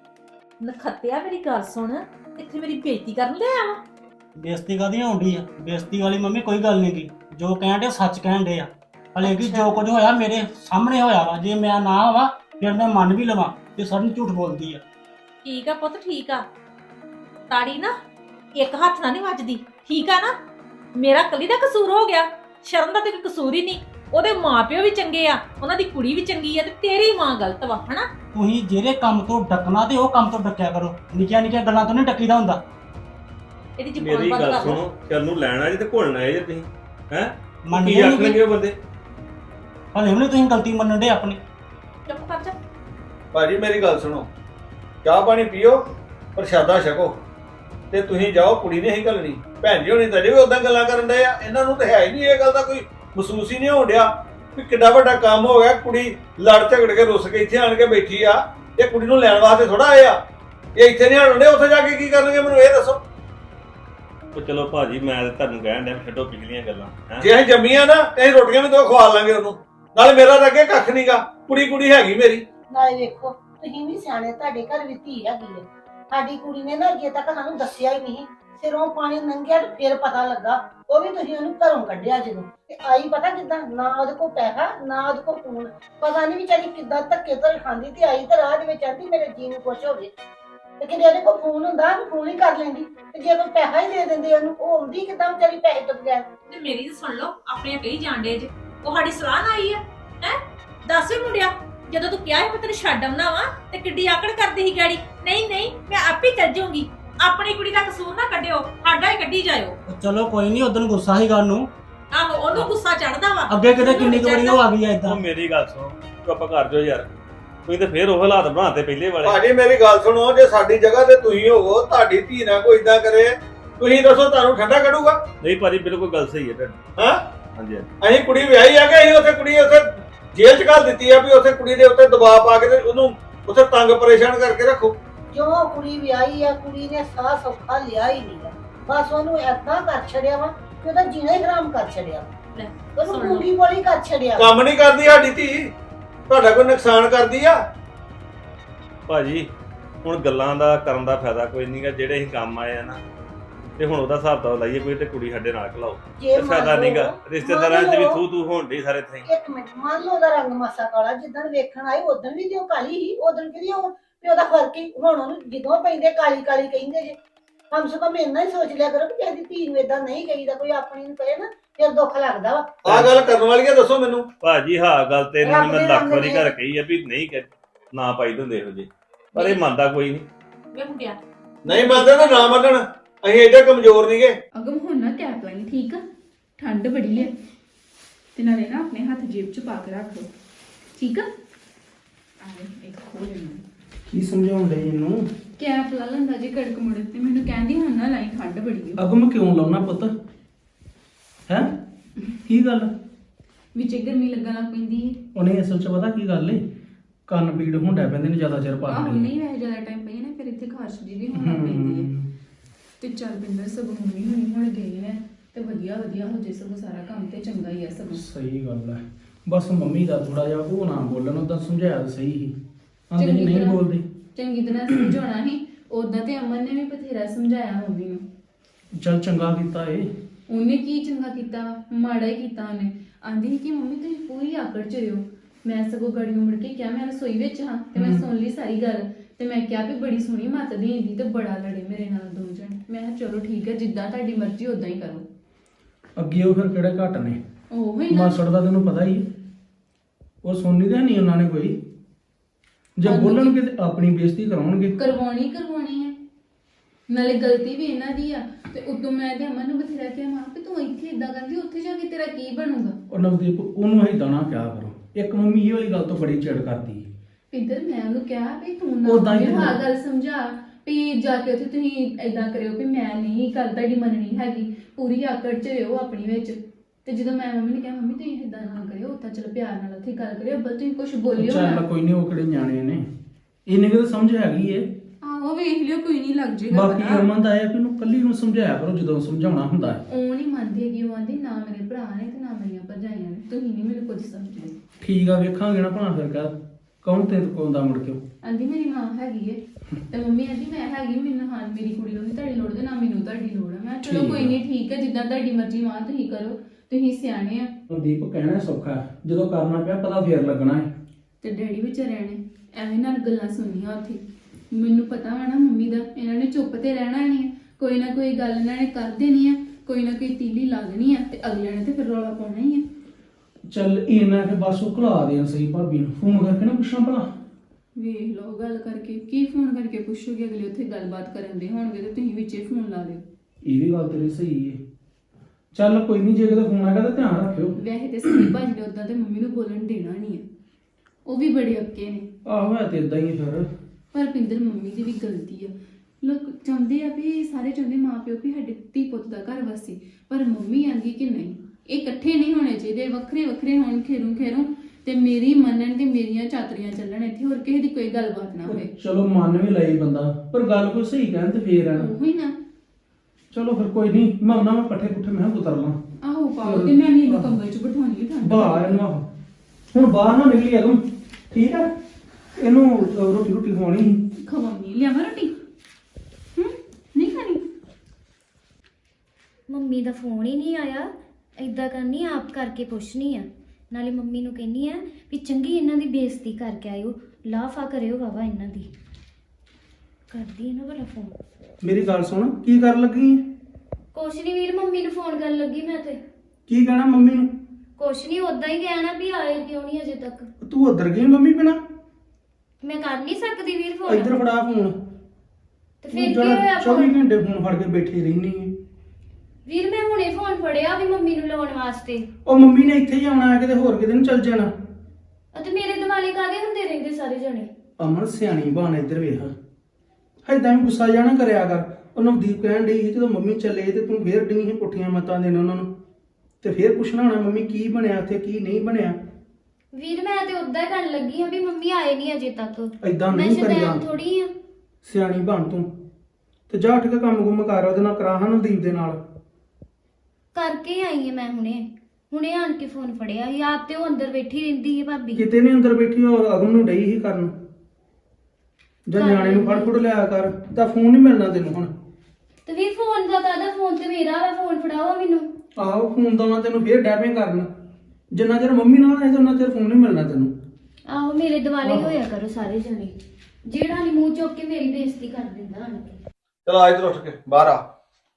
Speaker 1: ਨਖੱਤਿਆ ਮੇਰੀ ਗੱਲ ਸੁਣ, ਇੱਥੇ ਮੇਰੀ ਬੇਇੱਜ਼ਤੀ ਕਰਨ ਲਿਆ ਵਾ?
Speaker 3: ਬੇਇੱਜ਼ਤੀ ਕਾਹਦੀ ਹੁੰਦੀ ਆ? ਬੇਇੱਜ਼ਤੀ ਵਾਲੀ ਮੰਮੀ ਕੋਈ ਗੱਲ ਨਹੀਂ ਗੀ। ਜੋ ਕਹਿੰਦੇ ਸੱਚ ਕਹਿੰਦੇ ਆ। ਹਲੇ ਕਿ ਜੋ ਕੁਝ ਹੋਇਆ ਮੇਰੇ ਸਾਹਮਣੇ ਹੋਇਆ ਵਾ। ਜੇ ਮੈਂ ਨਾ ਹੋਵਾਂ ਫਿਰ ਮੈਂ ਮੰਨ ਵੀ ਲਵਾਂ ਕਿ ਸਰਨ ਝੂਠ ਬੋਲਦੀ ਆ।
Speaker 1: ਠੀਕ ਆ ਪੁੱਤ, ਠੀਕ ਆ। ਤਾੜੀ ਨਾ ਇੱਕ ਹੱਥ ਨਾਲ ਨਹੀਂ ਵੱਜਦੀ, ਠੀਕ ਆ ਨਾ? ਮੇਰਾ ਕਲੀ ਦਾ ਕਸੂਰ ਹੋ ਗਿਆ, ਸ਼ਰਨ ਦਾ ਤੇ ਕੋਈ ਕਸੂਰ ਹੀ ਨਹੀਂ। ਉਹਦੇ ਮਾਪਿਓ ਵੀ ਚੰਗੇ ਆ, ਉਹਨਾਂ ਦੀ ਕੁੜੀ ਵੀ ਚੰਗੀ ਆ, ਤੇ ਤੇਰੀ ਮਾਂ ਗਲਤ ਵਾ, ਹਨਾ?
Speaker 3: ਤੁਸੀਂ ਜਿਹੜੇ ਕੰਮ ਤੋਂ ਡੱਕਣਾ ਤੇ ਉਹ ਕੰਮ ਤੋਂ ਡੱਕਿਆ ਕਰੋ। ਨਿੱਕੀਆਂ ਨਿੱਕੀਆਂ ਗੱਲਾਂ ਤੋਂ ਨਹੀਂ ਡੱਕੀਦਾ ਹੁੰਦਾ।
Speaker 1: ਇਹਦੀ ਜ਼ੁਬਾਨ
Speaker 2: ਮੇਰੀ
Speaker 1: ਬੰਦ
Speaker 2: ਗੱਲ
Speaker 1: ਕਰ ਲਓ।
Speaker 2: ਸੁਣੋ, ਚੱਲ ਨੂੰ ਲੈਣਾ ਜੇ ਤੇ ਘੁਲਣਾ ਹੈ ਜੇ ਤੁਸੀਂ ਹੈ ਕੀ
Speaker 3: ਮੰਨਦੇ
Speaker 2: ਆਖਣਗੇ
Speaker 3: ਨਹੀਂ,
Speaker 2: ਉਹ ਬੰਦੇ?
Speaker 3: ਹਲੇ ਵੀ ਨੀ ਤੁਸੀਂ ਗਲਤੀ ਮੰਨਣ ਦੇ ਆਪਣੀ।
Speaker 1: ਚੁੱਪ ਕਰ ਜਾ।
Speaker 7: ਭਾਜੀ ਮੇਰੀ ਗੱਲ ਸੁਣੋ, ਚਾਹ ਪਾਣੀ ਪੀਓ, ਪ੍ਰਸ਼ਾਦਾ ਛਕੋ, ਤੇ ਤੁਸੀਂ ਜਾਓ। ਕੁੜੀ ਨੇ ਹੀ ਘੱਲਣੀ। ਭੈਣ ਜੀ ਹੋਣੀ ਤੁਹਾਡੇ ਵੀ ਉਦਾਂ ਗੱਲਾਂ ਕਰਨ ਡਏ ਆ। ਇਹਨਾਂ ਨੂੰ ਤਾਂ ਹੈ ਹੀ ਨਹੀਂ ਇਹ ਗੱਲ ਦਾ ਕੋਈ ਮਹਿਸੂਸ ਹੀ ਨਹੀਂ ਹੋਣ ਡਿਆ ਵੀ ਕਿੱਡਾ ਵੱਡਾ ਕੰਮ ਹੋ ਗਿਆ। ਕੁੜੀ ਲੜ ਝਗੜ ਕੇ ਰੁੱਸ ਕੇ ਇੱਥੇ ਆਣ ਕੇ ਬੈਠੀ ਆ। ਇਹ ਕੁੜੀ ਨੂੰ ਲੈਣ ਵਾਸਤੇ ਥੋੜਾ ਆਏ ਆ। ਇਹ ਇੱਥੇ ਨਹੀਂ ਆਉਣਦੇ, ਉੱਥੇ ਜਾ ਕੇ ਕੀ ਕਰਨਗੇ ਮੈਨੂੰ ਇਹ ਦੱਸੋ।
Speaker 2: ਉਹ ਚਲੋ ਭਾਜੀ, ਮੈਂ ਤਾਂ ਤੁਹਾਨੂੰ ਕਹਿਣ ਡਿਆ ਛੱਡੋ ਪਿਛਲੀਆਂ ਗੱਲਾਂ। ਹੈਂ?
Speaker 7: ਜੇ ਅਸੀਂ ਜੰਮੀਆਂ ਨਾ ਤੇ ਅਸੀਂ ਰੋਟੀਆਂ ਵੀ ਦੋ ਖਵਾ ਲਾਂਗੇ ਉਹਨੂੰ। ਨਾਲੇ ਮੇਰਾ ਤਾਂ ਅੱਗੇ ਕੱਖ ਨਹੀਂਗਾ। ਕੁੜੀ ਕੁੜੀ ਹੈਗੀ ਮੇਰੀ।
Speaker 5: ਨਾਲੇ ਵੇਖੋ ਤੁਸੀਂ ਵੀ ਸਿਆਣੇ, ਤੁਹਾਡੇ ਘਰ ਵੀ ਧੀ ਹੈਗੀ ਹੈ। ਸਾਡੀ ਕੁੜੀ ਨੇ ਨਾ ਅੱਗੇ ਤੱਕ ਸਾਨੂੰ ਦੱਸਿਆ ਹੀ ਨਹੀਂ। ਸਿਰੋਂ ਪਾਣੀ ਲੰਘਿਆ ਤੇ ਫਿਰ ਪਤਾ ਲੱਗਾ। ਉਹ ਵੀ ਤੁਸੀਂ ਉਹਨੂੰ ਘਰੋਂ ਕੱਢਿਆ ਜਦੋਂ। ਤੇ ਆਈ ਪਤਾ ਕਿੱਦਾਂ, ਨਾ ਉਹਦੇ ਕੋਲ ਪੈਸਾ ਨਾ ਉਹਦੇ ਕੋਲ ਫੋਨ। ਪਤਾ ਨਹੀਂ ਵਿਚਾਰੀ ਕਿੱਦਾਂ ਧੱਕੇ ਧਰ ਖਾਂਦੀ ਤੇ ਆਈ ਤੇ ਰਾਹ ਦੇ ਵਿੱਚ ਆਂਦੀ ਮੇਰੇ ਜੀ ਨੂੰ ਕੁਛ ਹੋਵੇ। ਤੇ ਕਿਤੇ ਉਹਦੇ ਕੋਲ ਫੋਨ ਹੁੰਦਾ ਉਹਨੂੰ ਫੋਨ ਹੀ ਕਰ ਲੈਂਦੀ। ਤੇ ਜੇ ਕੋਈ ਪੈਸਾ ਹੀ ਦੇ ਦਿੰਦੇ ਉਹਨੂੰ, ਉਹ ਆਉਂਦੀ ਕਿੱਦਾਂ ਵਿਚਾਰੀ ਪੈਸੇ ਤੋਂ ਬਗੈਰ?
Speaker 1: ਤੇ ਮੇਰੀ ਤਾਂ ਸੁਣ ਲਓ, ਆਪਣੀਆਂ ਕਹੀ ਜਾਂਦੇ ਜੇ। ਉਹ ਸਾਡੀ ਸਲਾਹ ਨਾਲ ਆਈ ਆ। ਹੈ ਦੱਸ ਵੀ ਮੁੰਡਿਆ, ਜਦੋਂ ਤੂੰ ਕਿਹਾ ਸੀ ਮੈਂ ਤੈਨੂੰ ਛੱਡ ਆਉਣਾ ਵਾ ਤੇ ਕਿੱਡੀ ਆਕੜ ਕਰਦੀ ਸੀ ਗਾੜੀ। ਨਹੀਂ ਨਹੀਂ ਮੈਂ ਆਪੇ ਚੱਲ ਜਾਊਂਗੀ। ਆਪਣੀ ਕੁੜੀ ਦਾ ਕਸੂਰ ਨਾ ਕੱਢਿਓ, ਸਾਡਾ ਹੀ ਕੱਢੀ ਜਾਇਓ।
Speaker 3: ਚਲੋ ਕੋਈ ਨਹੀਂ, ਉਦੋਂ ਗੁੱਸਾ ਸੀ ਗੱਲ ਨੂੰ।
Speaker 1: ਆਹੋ ਉਹਨੂੰ ਗੁੱਸਾ ਚੜਦਾ ਵਾ।
Speaker 3: ਅੱਗੇ ਕਿਤੇ ਕਿੰਨੀ ਕੁ ਵਾਰੀ ਉਹ ਆ ਗਈ ਆ ਏਦਾਂ।
Speaker 2: ਉਹ ਮੇਰੀ ਗੱਲ ਸੁਣੋ, ਚੁੱਪ ਕਰ ਜਾਓ ਯਾਰ। ਤੁਸੀਂ ਤਾਂ ਫੇਰ ਉਹ ਹਾਲਾਤ ਬਣਾਤੇ ਪਹਿਲੇ ਵਾਲੇ।
Speaker 7: ਭਾਜੀ ਮੇਰੀ ਗੱਲ ਸੁਣੋ, ਜੇ ਸਾਡੀ ਜਗ੍ਹਾ ਤੇ ਤੁਸੀਂ ਹੋਵੋ, ਤੁਹਾਡੀ ਧੀ ਨਾਲ ਕੋਈ ਇਦਾਂ ਕਰੇ ਤੁਸੀਂ ਦੱਸੋ ਤੁਹਾਨੂੰ ਠੰਡਾ ਕੱਢੂਗਾ?
Speaker 2: ਨਹੀਂ ਭਾਜੀ ਬਿਲਕੁਲ ਗੱਲ ਸਹੀ ਹੈ ਤੁਹਾਡੀ।
Speaker 7: ਹਾਂ
Speaker 2: ਹਾਂਜੀ ਹਾਂਜੀ।
Speaker 7: ਅਸੀਂ ਕੁੜੀ ਵਿਆਹੀ ਆ ਕਿ ਅਸੀਂ ਉੱਥੇ ਕੁੜੀ ਉੱਥੇ ਜੇਲ੍ਹ ਚ ਘੱਲ ਦਿੱਤੀ ਆ ਵੀ ਉੱਥੇ ਕੁੜੀ ਦੇ ਉੱਤੇ ਦਬਾਅ ਪਾ ਕੇ ਤੇ ਉਹਨੂੰ ਉੱਥੇ ਤੰਗ ਪਰੇਸ਼ਾਨ ਕਰਕੇ ਰੱਖੋ।
Speaker 5: ਜੋ ਕੁੜੀ ਵਿਆਹੀ ਆ ਕੁੜੀ ਨੇ ਸਾਹ ਸੌਖਾ ਲਿਆ ਹੀ ਨਹੀਂ ਬਸ ਉਹਨੂੰ ਏਦਾਂ ਕਰ ਛੜਿਆ ਵਾ ਕਿ ਉਹਦਾ ਜੀਣਾ ਹੀ ਹਰਾਮ ਕਰ ਛੜਿਆ
Speaker 1: ਲੈ,
Speaker 5: ਉਹਨੂੰ
Speaker 1: ਸੁਣ ਲਓ।
Speaker 5: ਕੁੜੀ ਬੋਲੀ ਕਰ ਛੜਿਆ
Speaker 7: ਕੰਮ ਨਹੀਂ ਕਰਦੀ ਸਾਡੀ ਧੀ, ਤੁਹਾਡਾ ਕੋਈ ਨੁਕਸਾਨ ਕਰਦੀ ਆ?
Speaker 2: ਭਾਜੀ ਹੁਣ ਗੱਲਾਂ ਦਾ ਕਰਨ ਦਾ ਫਾਇਦਾ ਕੋਈ ਨਹੀਂਗਾ। ਜਿਹੜੇ ਅਸੀਂ ਕੰਮ ਆਏ ਆ ਨਾ ਤੇ ਹੁਣ ਉਹਦਾ ਹਿਸਾਬ ਤਾਂ ਲਾਈਏ ਕੋਈ ਤੇ ਕੁੜੀ ਸਾਡੇ ਨਾਲ ਖਲਾਓ।
Speaker 5: ਜੇ
Speaker 2: ਤੇ ਫਾਇਦਾ
Speaker 5: ਮੰਨ
Speaker 2: ਨਹੀਂਗਾ।
Speaker 5: ਲਓ-
Speaker 2: ਰਿਸ਼ਤੇਦਾਰਾਂ 'ਚ ਵੀ
Speaker 5: ਮੰਨ
Speaker 2: ਥੂ ਥੂ ਹੋਣ ਡਈ ਸਾਰੇ ਥਾਈ।
Speaker 5: ਇੱਕ ਮਿੰਟ ਮੰਨ ਲਓ ਉਹਦਾ ਰੰਗ ਮਾਸਾ ਕਾਲਾ ਜਿੱਦਣ ਵੇਖਣ ਆਈ ਉਦੋਂ ਵੀ ਤੇ ਉਹ ਕਾਲੀ ਸੀ ਉਦੋਂ ਕਿਹਦੀ ਉਹ ਵੀ ਉਹਦਾ ਫਰਕ ਹੀ ਹੁਣ ਉਹਨੂੰ ਜਦੋਂ ਪੈਂਦੇ ਕਾਲੀ ਕਾਲੀ ਕਹਿੰਦੇ ਜੇ ਕਮ ਸੇ ਕਮ ਇੰਨਾ ਹੀ ਸੋਚ ਲਿਆ ਕਰੋ ਕਿ ਕਿਸੇ ਦੀ ਧੀ ਨੂੰ ਏਦਾਂ ਨਹੀਂ ਕਹੀਦਾ ਕੋਈ ਆਪਣੀ ਨੂੰ ਕਹੇ ਨਾ ਫਿਰ ਦੁੱਖ ਲੱਗਦਾ ਵਾ।
Speaker 7: ਆਹ ਗੱਲ ਕਰਨ ਵਾਲੀ ਆ ਦੱਸੋ ਮੈਨੂੰ।
Speaker 2: ਭਾਜੀ ਹਾਂ ਗੱਲ ਤੇ ਇਹਨਾਂ ਨੇ ਮੈਂ
Speaker 5: ਰੱਬ ਦੇ
Speaker 2: ਲੱਖ
Speaker 5: ਰੰਗ
Speaker 2: ਵਾਰੀ
Speaker 5: ਨੇ।
Speaker 2: ਘਰ ਕਹੀ ਆ ਵੀ ਨਹੀਂ ਕਿ ਨਾ ਪਾਈ ਦਿੰਦੇ ਇਹੋ ਜਿਹੇ, ਪਰ ਇਹ ਮੰਨਦਾ ਕੋਈ ਨਹੀਂ।
Speaker 1: ਵੇ ਮੁੰਡਿਆ
Speaker 7: ਨਹੀਂ ਮੰਨਦੇ ਤਾਂ ਨਾ ਮੰਨਣ, ਅਸੀਂ ਏਡੇ ਕਮਜ਼ੋਰ ਨਹੀਂਗੇ।
Speaker 8: ਅਗਮ ਹੁਣ ਨਾ ਟੈਪ ਲਾਈ ਠੀਕ ਆ, ਠੰਡ ਬੜੀ ਲਿਆ ਤੇ ਨਾਲੇ ਨਾ ਆਪਣੇ ਹੱਥ ਜੇਬ ਚ ਪਾ ਕੇ ਰੱਖ ਲਓ ਠੀਕ ਆ। ਆਲੇ ਇੱਕ ਖੋਲ ਲੈਣਾ
Speaker 3: ਕੀ ਸਮਝਾਉਣ ਦੇ ਇਹਨੂੰ?
Speaker 8: ਕੈਪ ਲਾ ਲੈਂਦਾ ਜੀ ਕੜਕ ਮੁੜ ਤੇ ਮੈਨੂੰ ਕਹਿੰਦੀ ਹੁਣ ਨਾ ਲਾਈ ਠੰਡ ਬੜੀ ਆ।
Speaker 3: ਅਗਮ ਕਿਉਂ ਲਾਉਣਾ ਪੁੱਤ? ਹੈ ਕੀ ਗੱਲ?
Speaker 8: ਵਿੱਚ ਗਰਮੀ ਲੱਗਣ ਲੱਗ ਪੈਂਦੀ ਹੈ।
Speaker 3: ਉਹਨੇ ਅਸਲ ਚ ਪਤਾ ਕੀ ਗੱਲ ਏ, ਕੰਨ ਪੀੜ ਹੁੰਦਾ ਪੈਂਦੇ ਨੇ ਜ਼ਿਆਦਾ ਚਿਰ ਪਾ
Speaker 8: ਆਹ
Speaker 3: ਕੇ।
Speaker 8: ਨਹੀਂ ਵੈਸੇ ਜ਼ਿਆਦਾ ਟਾਈਮ ਪਈ ਨਾ ਫਿਰ ਇੱਥੇ ਖਾਰਸ਼ ਜੀ ਵੀ ਹੋਣ ਲੱਗ ਪੈਂਦੀ ਹੈ। ਤੇ ਚੱਲ ਬਿੰਦਰ ਸਗੋਂ ਮੰਮੀ ਹੁਣੀ ਹੁਣ ਗਏ ਨੇ ਤੇ ਵਧੀਆ ਵਧੀਆ ਹੋ ਜੇ ਸਗੋਂ ਸਾਰਾ ਕੰਮ ਤੇ ਚੰਗਾ ਹੀ ਆ ਸਗੋਂ।
Speaker 3: ਸਹੀ ਗੱਲ ਹੈ, ਬਸ ਮੰਮੀ ਦਾ ਥੋੜਾ ਜਿਹਾ ਉਹ ਨਾ ਬੋਲਣ, ਉਹਦਾ ਸਮਝਾਇਆ ਤਾਂ ਸਹੀ ਸੀ, ਆਂਦੇ
Speaker 8: ਚੰਗੀ
Speaker 3: ਨਹੀਂ
Speaker 8: ਤਰ੍ਹਾਂ-
Speaker 3: ਬੋਲਦੇ।
Speaker 8: ਚੰਗੀ ਤਰ੍ਹਾਂ ਸਮਝਾਉਣਾ ਸੀ। ਉਦਾਂ ਤੇ ਅਮਨ ਨੇ ਵੀ ਬਥੇਰਾ ਸਮਝਾਇਆ ਮੰਮੀ ਨੂੰ।
Speaker 3: ਚੱਲ ਚੰਗਾ ਕੀਤਾ ਏ।
Speaker 8: ਉਹਨੇ ਕੀ ਚੰਗਾ ਕੀਤਾ, ਮਾੜਾ ਹੀ ਕੀਤਾ ਉਹਨੇ। ਆਂਦੀ ਸੀ ਕਿ ਮੰਮੀ ਤੁਸੀਂ ਪੂਰੀ ਆਕੜ ਚ ਰਹੋ। ਮੈਂ ਸਗੋਂ ਗੜੀਓ ਮੁੜ ਕੇ ਕਿਹਾ ਮੈਂ ਰਸੋਈ ਵਿੱਚ ਹਾਂ ਤੇ ਮੈਂ ਸੁਣ ਲਈ ਸਾਰੀ ਗੱਲ ਤੇ ਮੈਂ ਕਿਹਾ ਵੀ ਬੜੀ ਸੋਹਣੀ ਮੱਤ ਦੀ ਇਹਦੀ ਤੇ ਬੜਾ ਲੜੇ ਮੇਰੇ ਨਾਲ ਦੋ ਜਣ। ਮੈਂ ਕਿਹਾ ਚਲੋ ਠੀਕ ਹੈ ਜਿੱਦਾਂ ਤੁਹਾਡੀ ਮਰਜ਼ੀ ਉਦਾਂ ਹੀ ਕਰੋ।
Speaker 3: ਅੱਗੇ ਉਹ ਫਿਰ ਕਿਹੜੇ ਘੱਟ ਨੇ,
Speaker 8: ਉਹ ਹੀ ਨਾ
Speaker 3: ਮਾਸੜ ਦਾ ਤੈਨੂੰ ਪਤਾ ਹੀ ਹੈ, ਉਹ ਸੁਣਨੀ ਤਾਂ ਨਹੀਂ ਉਹਨਾਂ ਨੇ ਕੋਈ। ਜੇ
Speaker 8: ਹਾਂਜੀ।
Speaker 3: ਬੋਲਣਗੇ ਤੇ ਆਪਣੀ ਬੇਇੱਜ਼ਤੀ ਕਰਾਉਣਗੇ।
Speaker 8: ਕਰਵਾਉਣੀ ਕਰਵਾਉਣੀ ਹੈ, ਨਾਲੇ ਗਲਤੀ ਵੀ ਇਹਨਾਂ ਦੀ ਆ। ਤੇ ਉਦੋਂ ਮੈਂ ਤੇ ਅਮਨ ਨੂੰ ਬਥੇਰਾ ਕਿਹਾ ਮਾਂ ਕਿ ਤੂੰ ਇੱਥੇ ਇਦਾਂ ਕਰਦੀ ਉੱਥੇ ਜਾ ਕੇ ਤੇਰਾ ਕੀ ਬਣੂਗਾ।
Speaker 3: ਉਹ ਨਵਦੀਪ ਉਹਨੂੰ ਏਦਾਂ ਨਾ ਕਿਹਾ ਕਰੋ। ਇੱਕ ਮੰਮੀ ਇਹ ਵਾਲੀ ਗੱਲ ਤੋਂ ਬੜੀ ਚਿੜ ਕਰਦੀ ਹੈ।
Speaker 8: ਪਿੰਦਰ ਮੈਂ ਉਹਨੂੰ ਕਿਹਾ ਵੀ ਤੂੰ ਨਾ
Speaker 3: ਉੱਦਾਂ ਹੀ
Speaker 8: ਮੈਨੂੰ ਆਹ
Speaker 3: ਤੂੰ-
Speaker 8: ਗੱਲ ਸਮਝਾ ਵੀ ਜਾ ਕੇ ਉੱਥੇ ਤੁਸੀਂ ਏਦਾਂ ਕਰਿਓ ਵੀ ਮੈਂ ਨਹੀਂ ਗੱਲ ਤੁਹਾਡੀ ਮੰਨਣੀ ਹੈਗੀ, ਪੂਰੀ ਆਕੜ ਚ ਰਹੋ ਆਪਣੀ ਵਿੱਚ। ਤੇ ਜਦੋਂ ਮੈਂ ਮੰਮੀ ਨੇ ਕਿਹਾ ਮੰਮੀ ਤੁਸੀਂ ਏਦਾਂ ਨਾ ਕਰਿਓ, ਉੱਥੇ ਚਲੋ ਪਿਆਰ ਨਾਲ ਉੱਥੇ ਗੱਲ ਕਰਿਓ, ਬਸ ਤੁਸੀਂ ਕੁਝ ਬੋਲਿਓ
Speaker 3: ਚੱਲ
Speaker 8: ਨਾ।
Speaker 3: ਕੋਈ ਨਹੀਂ, ਉਹ ਕਿਹੜੇ ਨਿਆਣੇ ਨੇ, ਇਹਨੇ ਕਿ ਤਾਂ ਸਮਝ ਹੈਗੀ ਏ।
Speaker 8: ਆਹੋ ਵੇਖ ਲਿਓ ਕੋਈ ਨਹੀਂ ਲੱਗ ਜੇਗਾ
Speaker 3: ਬਾਕੀ
Speaker 8: ਪਤਾ।
Speaker 3: ਅਮਨ ਦਾ ਹੈ ਕਿ ਉਹਨੂੰ ਕੱਲੀ ਨੂੰ ਸਮਝਾਇਆ ਕਰੋ ਜਦੋਂ ਸਮਝਾਉਣਾ ਹੁੰਦਾ ਹੈ।
Speaker 8: ਉਹ ਨਹੀਂ ਮੰਨਦੀ ਹੈਗੀ, ਉਹ ਆਂਦੀ ਨਾ ਮੇਰੇ ਭਰਾ ਨੇ ਤੇ ਨਾ ਮੇਰੀਆਂ ਭਰਜਾਈਆਂ ਨੇ, ਤੁਸੀਂ ਨਹੀਂ ਮੈਨੂੰ ਕੁਝ ਸਮਝਦੇ।
Speaker 3: ਠੀਕ ਆ, ਵੇਖਾਂਗੇ ਨਾ ਭਲਾ ਫਿਰ ਕਹ ਕੌਣ ਤੇ ਕੋਂਦਾ ਮੁੜ ਕੇ।
Speaker 8: ਆਂਦੀ ਮੇਰੀ ਮਾਂ ਹੈਗੀ ਏ ਤੇ ਮੰਮੀ ਆਂਦੀ ਮੈਂ ਹੈਗੀ, ਮੈਨੂੰ ਹਾਂ ਮੇਰੀ ਕੁੜੀ ਨੂੰ ਨੀ ਤੁਹਾਡੀ ਲੋੜ ਤੇ ਨਾ ਮੈਨੂੰ ਤੁਹਾਡੀ ਲੋੜ ਆ। ਮੈਂ ਕਿਹਾ ਚਲੋ
Speaker 3: ਠੀਕ
Speaker 8: ਕੋਈ
Speaker 3: ਆ।
Speaker 8: ਨਹੀਂ ਠੀਕ ਹੈ ਜਿੱਦਾਂ ਤੁਹਾਡੀ ਮਰਜ਼ੀ ਮਾਂ ਤੁਸੀਂ ਕਰੋ, ਤੁਸੀਂ ਸਿਆਣੇ ਆ।
Speaker 3: ਦੀਪ ਕਹਿਣਾ ਸੌਖਾ ਹੈ, ਜਦੋਂ ਕਰਨਾ ਪਿਆ ਪਤਾ ਫੇਰ ਲੱਗਣਾ ਹੈ।
Speaker 8: ਤੇ ਡੈਡੀ ਵਿਚਾਰਿਆਂ ਨੇ ਐਵੇਂ ਨਾਲ ਗੱਲਾਂ ਸੁਣੀਆਂ ਉੱਥੇ। ਮੈਨੂੰ ਪਤਾ ਵਾ ਨਾ ਮੰਮੀ ਦਾ, ਇਹਨਾਂ ਨੇ ਚੁੱਪ ਤੇ ਰਹਿਣਾ ਨਹੀਂ ਹੈ, ਕੋਈ ਨਾ ਕੋਈ ਗੱਲ ਇਹਨਾਂ ਨੇ ਕਰ ਦੇਣੀ ਆ, ਕੋਈ ਨਾ ਕੋਈ ਤੀਲੀ ਲਾ ਦੇਣੀ ਆ ਤੇ ਅਗਲਿਆਂ ਨੇ ਤੇ ਫਿਰ ਰੌਲਾ ਪਾਉਣਾ ਹੀ ਆ।
Speaker 3: ਚੱਲ ਇਹਨਾਂ ਕੇ ਬਸ ਉਹ ਘਲਾ ਦੇਣ ਸਹੀ ਭਾਬੀ ਨੂੰ ਫੋਨ ਕਰਕੇ ਨਾ ਪੁੱਛਾਂ ਭਲਾ।
Speaker 8: ਵੇਖ ਲਓ ਗੱਲ ਕਰਕੇ, ਕੀ ਫੋਨ ਕਰਕੇ ਪੁੱਛੋਗੇ, ਅਗਲੇ ਉੱਥੇ ਗੱਲਬਾਤ ਕਰਨ ਦੇ ਹੋਣਗੇ ਤੇ ਤੁਸੀਂ ਵਿੱਚੇ ਫੋਨ ਲਾ ਦਿਓ।
Speaker 3: ਇਹ ਵੀ ਗੱਲ ਤੇਰੀ ਸਹੀ ਹੈ। ਚੱਲ ਕੋਈ ਨਹੀਂ, ਜੇ ਕਿਤੇ ਫੋਨ ਆਏਗਾ ਤਾਂ ਧਿਆਨ ਰੱਖਿਓ।
Speaker 8: ਵੈਸੇ ਤੇ ਸੰਦੀਪ ਭਾਜੀ ਨੇ ਉਦਾਂ ਤੇ ਮੰਮੀ ਨੂੰ ਬੋਲਣ ਦੇਣਾ ਨਹੀਂ ਆ, ਉਹ ਵੀ ਬੜੇ ਅੱਕੇ ਨੇ।
Speaker 3: ਆਹੋ ਹੈ ਤੇ ਇਦਾਂ ਹੀ ਫਿਰ।
Speaker 8: ਪਰ ਪਿੰਦਰ ਮੰਮੀ ਦੀ ਵੀ ਗਲਤੀ ਆ। ਲੋਕ ਚਾਹੁੰਦੇ ਆ ਵੀ ਸਾਰੇ ਚਾਹੁੰਦੇ ਮਾਂ ਪਿਓ ਵੀ ਸਾਡੇ ਧੀ ਪੁੱਤ ਦਾ ਘਰ ਵਸੇ, ਪਰ ਮੰਮੀ ਆਂਦੀ ਕਿ ਨਹੀਂ, ਇਹ ਇਕੱਠੇ ਨਹੀਂ ਹੋਣੇ ਚਾਹੀਦੇ, ਵੱਖਰੇ ਵੱਖਰੇ ਹੋਣ ਖੇਰੂ ਖੇਰੂ ਤੇ ਮੇਰੀ ਮੰਨਣ ਤੇ ਮੇਰੀਆਂ ਚਾਤਰੀਆਂ ਚੱਲਣ ਇੱਥੇ, ਹੋਰ ਕਿਸੇ ਦੀ ਕੋਈ ਗੱਲਬਾਤ ਨਾ ਹੋਵੇ।
Speaker 3: ਚਲੋ ਮੰਨ ਵੀ ਲਈ ਬੰਦਾ, ਪਰ ਗੱਲ ਕੋਈ ਸਹੀ ਕਹਿਣ ਤੇ ਫੇਰ ਆ।
Speaker 8: ਉਹੀ ਨਾ।
Speaker 3: ਚਲੋ ਫਿਰ ਕੋਈ ਨਹੀਂ, ਮੈਂ ਉਹਨਾਂ ਨੂੰ ਪੱਠੇ ਪੁੱਠੇ ਮੈਂ ਉਤਰ ਲਾਂ।
Speaker 8: ਆਹੋ ਪਾਓ ਤੇ ਮੈਂ ਨਹੀਂ ਕੰਬਲ ਚ ਬਿਠਾਉਣੀ ਠੰਡ
Speaker 3: ਬਾਹਰ ਇਹਨੂੰ ਆਹੋ। ਹੁਣ ਬਾਹਰ ਨਾ ਨਿਕਲੀ ਅਗਮ, ਠੀਕ ਆ? ਇਹਨੂੰ ਅਹ, ਰੋਟੀ ਰੋਟੀ ਖਵਾਉਣੀ ਸੀ।
Speaker 8: ਖਵਾਉਣੀ, ਲਿਆਵਾਂ ਰੋਟੀ? ਹੂੰ ਨਹੀਂ ਖਾਣੀ?
Speaker 9: ਮੰਮੀ ਦਾ ਫੋਨ ਹੀ ਨਹੀਂ ਆਇਆ, ਇਦਾਂ ਕਰਨੀ ਆਪ ਕਰਕੇ ਪੁੱਛਣੀ ਆ। ਨਾਲੇ ਮੰਮੀ ਨੂੰ ਕਹਿੰਨੀ ਆ ਵੀ ਚੰਗੀ ਇਹਨਾਂ ਦੀ ਬੇਇੱਜ਼ਤੀ ਕਰਕੇ ਆਇਓ, ਲਾਫਾ ਕਰਿਓ ਵਾਵਾ ਇਹਨਾਂ ਦੀ। ਕਰਦੀ ਇਹਨਾਂ ਵਾਲਾ ਫੋਨ।
Speaker 3: ਮੇਰੀ ਗੱਲ ਸੁਣ, ਕੀ ਕਰਨ ਲੱਗੀ ਹੈ?
Speaker 9: ਕੁਛ ਨਹੀਂ ਵੀਰ, ਮੰਮੀ ਨੂੰ ਫੋਨ ਕਰਨ ਲੱਗੀ ਮੈਂ ਤੇ।
Speaker 3: ਕੀ ਕਹਿਣਾ ਮੰਮੀ ਨੂੰ?
Speaker 9: ਕੁਛ ਨਹੀਂ, ਉਦਾਂ ਹੀ ਕਹਿਣਾ ਵੀ ਆਏ ਕਿਉਂ ਨਹੀਂ ਅਜੇ ਤੱਕ।
Speaker 3: ਤੂੰ ਉਧਰ ਗਈ ਮੰਮੀ ਬਿਨਾ?
Speaker 9: ਮੈਂ ਕਰ ਨਹੀਂ ਸਕਦੀ ਵੀਰ ਫੋਨ।
Speaker 3: ਇੱਧਰ ਫੜਾ ਫੋਨ।
Speaker 9: ਤੇ ਫਿਰ ਕੀ
Speaker 3: ਤੂੰ
Speaker 9: ਹੋਇਆ
Speaker 3: ਜਿਹੜਾ ਚੌਵੀ
Speaker 9: ਫੋਨ?
Speaker 3: ਘੰਟੇ ਫੋਨ ਫੜ ਕੇ ਬੈਠੀ ਰਹਿਨੀ ਹੈ।
Speaker 9: ਵੀਰ ਮੈਂ ਹੁਣੇ ਫੋਨ ਫੜਿਆ ਵੀ ਮੰਮੀ ਨੂੰ ਲਾਉਣ ਵਾਸਤੇ।
Speaker 3: ਉਹ ਮੰਮੀ ਨੇ ਇੱਥੇ ਹੀ ਆਉਣਾ ਹੈ, ਕਿਤੇ ਹੋਰ ਕਿਤੇ ਨਹੀਂ ਚੱਲ ਜਾਣਾ।
Speaker 9: ਅਤੇ ਮੇਰੇ ਦਿਵਾਲੀ ਕਾਹਦੇ ਹੁੰਦੇ ਰਹਿੰਦੇ ਸਾਰੇ ਜਣੇ।
Speaker 3: ਅਮਨ ਸਿਆਣੀ ਬਣ, ਇੱਧਰ ਵੇਖ। ਏਦਾਂ ਵੀ ਗੁੱਸਾ ਜਾਣਾ ਕਰਿਆ ਕਰ।
Speaker 10: ਉਹ ਨਵਦੀਪ ਕਹਿਣ ਡਈ ਸੀ ਜਦੋਂ ਮੰਮੀ ਚੱਲੇ ਤੇ ਤੂੰ ਫੇਰ ਡਈ ਸੀ ਪੁੱਠੀਆਂ ਮਤਾਂ ਦੇਣ ਉਹਨਾਂ ਨੂੰ ਤੇ ਫੇਰ ਪੁੱਛਣਾ ਹੋਣਾ ਮੰਮੀ ਕੀ ਬਣਿਆ ਉੱਥੇ ਕੀ ਨਹੀਂ ਬਣਿਆ।
Speaker 9: ਵੀਰ ਮੈਂ ਤੇ ਉਦਾਂ ਹੀ ਕਰਨ ਲੱਗੀ ਹਾਂ ਵੀ ਮੰਮੀ ਆਏ ਨਹੀਂ ਅਜੇ ਤੱਕ।
Speaker 10: ਏਦਾਂ
Speaker 9: ਮੈਂ
Speaker 10: ਨਹੀਂ ਕਰੀਦਾ,
Speaker 9: ਸ਼ਦੈਨ ਥੋੜੀ ਆ।
Speaker 10: ਸਿਆਣੀ ਬਣ ਤੂੰ ਤੇ ਜਾ ਉੱਠ ਕੇ ਕੰਮ ਕੁੰਮ ਕਰ ਉਹਦੇ ਨਾਲ ਕਰਾ ਹਾਂ ਨਵਦੀਪ ਦੇ ਨਾਲ।
Speaker 9: ਕਰਕੇ ਆਈ ਹਾਂ ਮੈਂ ਹੁਣੇ ਹੁਣੇ ਆਣ ਕੇ ਫੋਨ ਫੜਿਆ ਸੀ। ਆਪ ਤੇ ਉਹ ਅੰਦਰ ਬੈਠੀ ਰਹਿੰਦੀ ਹੈ ਭਾਬੀ।
Speaker 10: ਕਿਤੇ ਨਹੀਂ ਅੰਦਰ ਬੈਠੀ ਉਹ ਅਗਮ ਨੂੰ ਡਈ ਹੀ ਕਰਨ ਜਾਂ
Speaker 9: ਕਰ
Speaker 10: ਨਿਆਣੇ ਨੂੰ ਫੜ
Speaker 9: ਲੈਂਦੀ।
Speaker 10: ਫੜ ਲਿਆ ਕਰ ਤਾਂ ਫੋਨ ਨਹੀਂ ਮਿਲਣਾ ਤੈਨੂੰ ਹੁਣ।
Speaker 9: ਤੇ ਵੀਰ ਫੋਨ ਦਾ ਕਾਹਦਾ, ਫੋਨ ਤੇ ਮੇਰਾ ਵਾ, ਫੋਨ ਫੜਾਓ ਮੈਨੂੰ।
Speaker 10: ਆਹੋ ਫੋਨ ਦਵਾਂ ਤੈਨੂੰ ਫੇਰ ਡੈਪੇ ਕਰਨ ਜਿੰਨਾ ਚਿਰ ਮੰਮੀ ਨਾਲ ਆਏ ਤੇ ਉਹਨਾਂ ਚਿਰ ਫੋਨ ਨਹੀਂ ਮਿਲਣਾ ਤੈਨੂੰ।
Speaker 9: ਆਹੋ ਮੇਰੇ ਦਿਵਾਲੇ ਹੀ ਹੋਇਆ ਕਰੋ ਸਾਰੇ ਜਣੇ, ਜਿਹੜਾ ਨਹੀਂ ਮੂੰਹ ਚੁੱਕ ਕੇ ਮੇਰੀ ਬੇਇੱਜ਼ਤੀ ਕਰ ਦਿੰਦਾ ਆਣ ਕੇ।
Speaker 7: ਚਲ ਆ ਇੱਧਰ ਉੱਠ ਕੇ ਬਾਹਰ ਆ।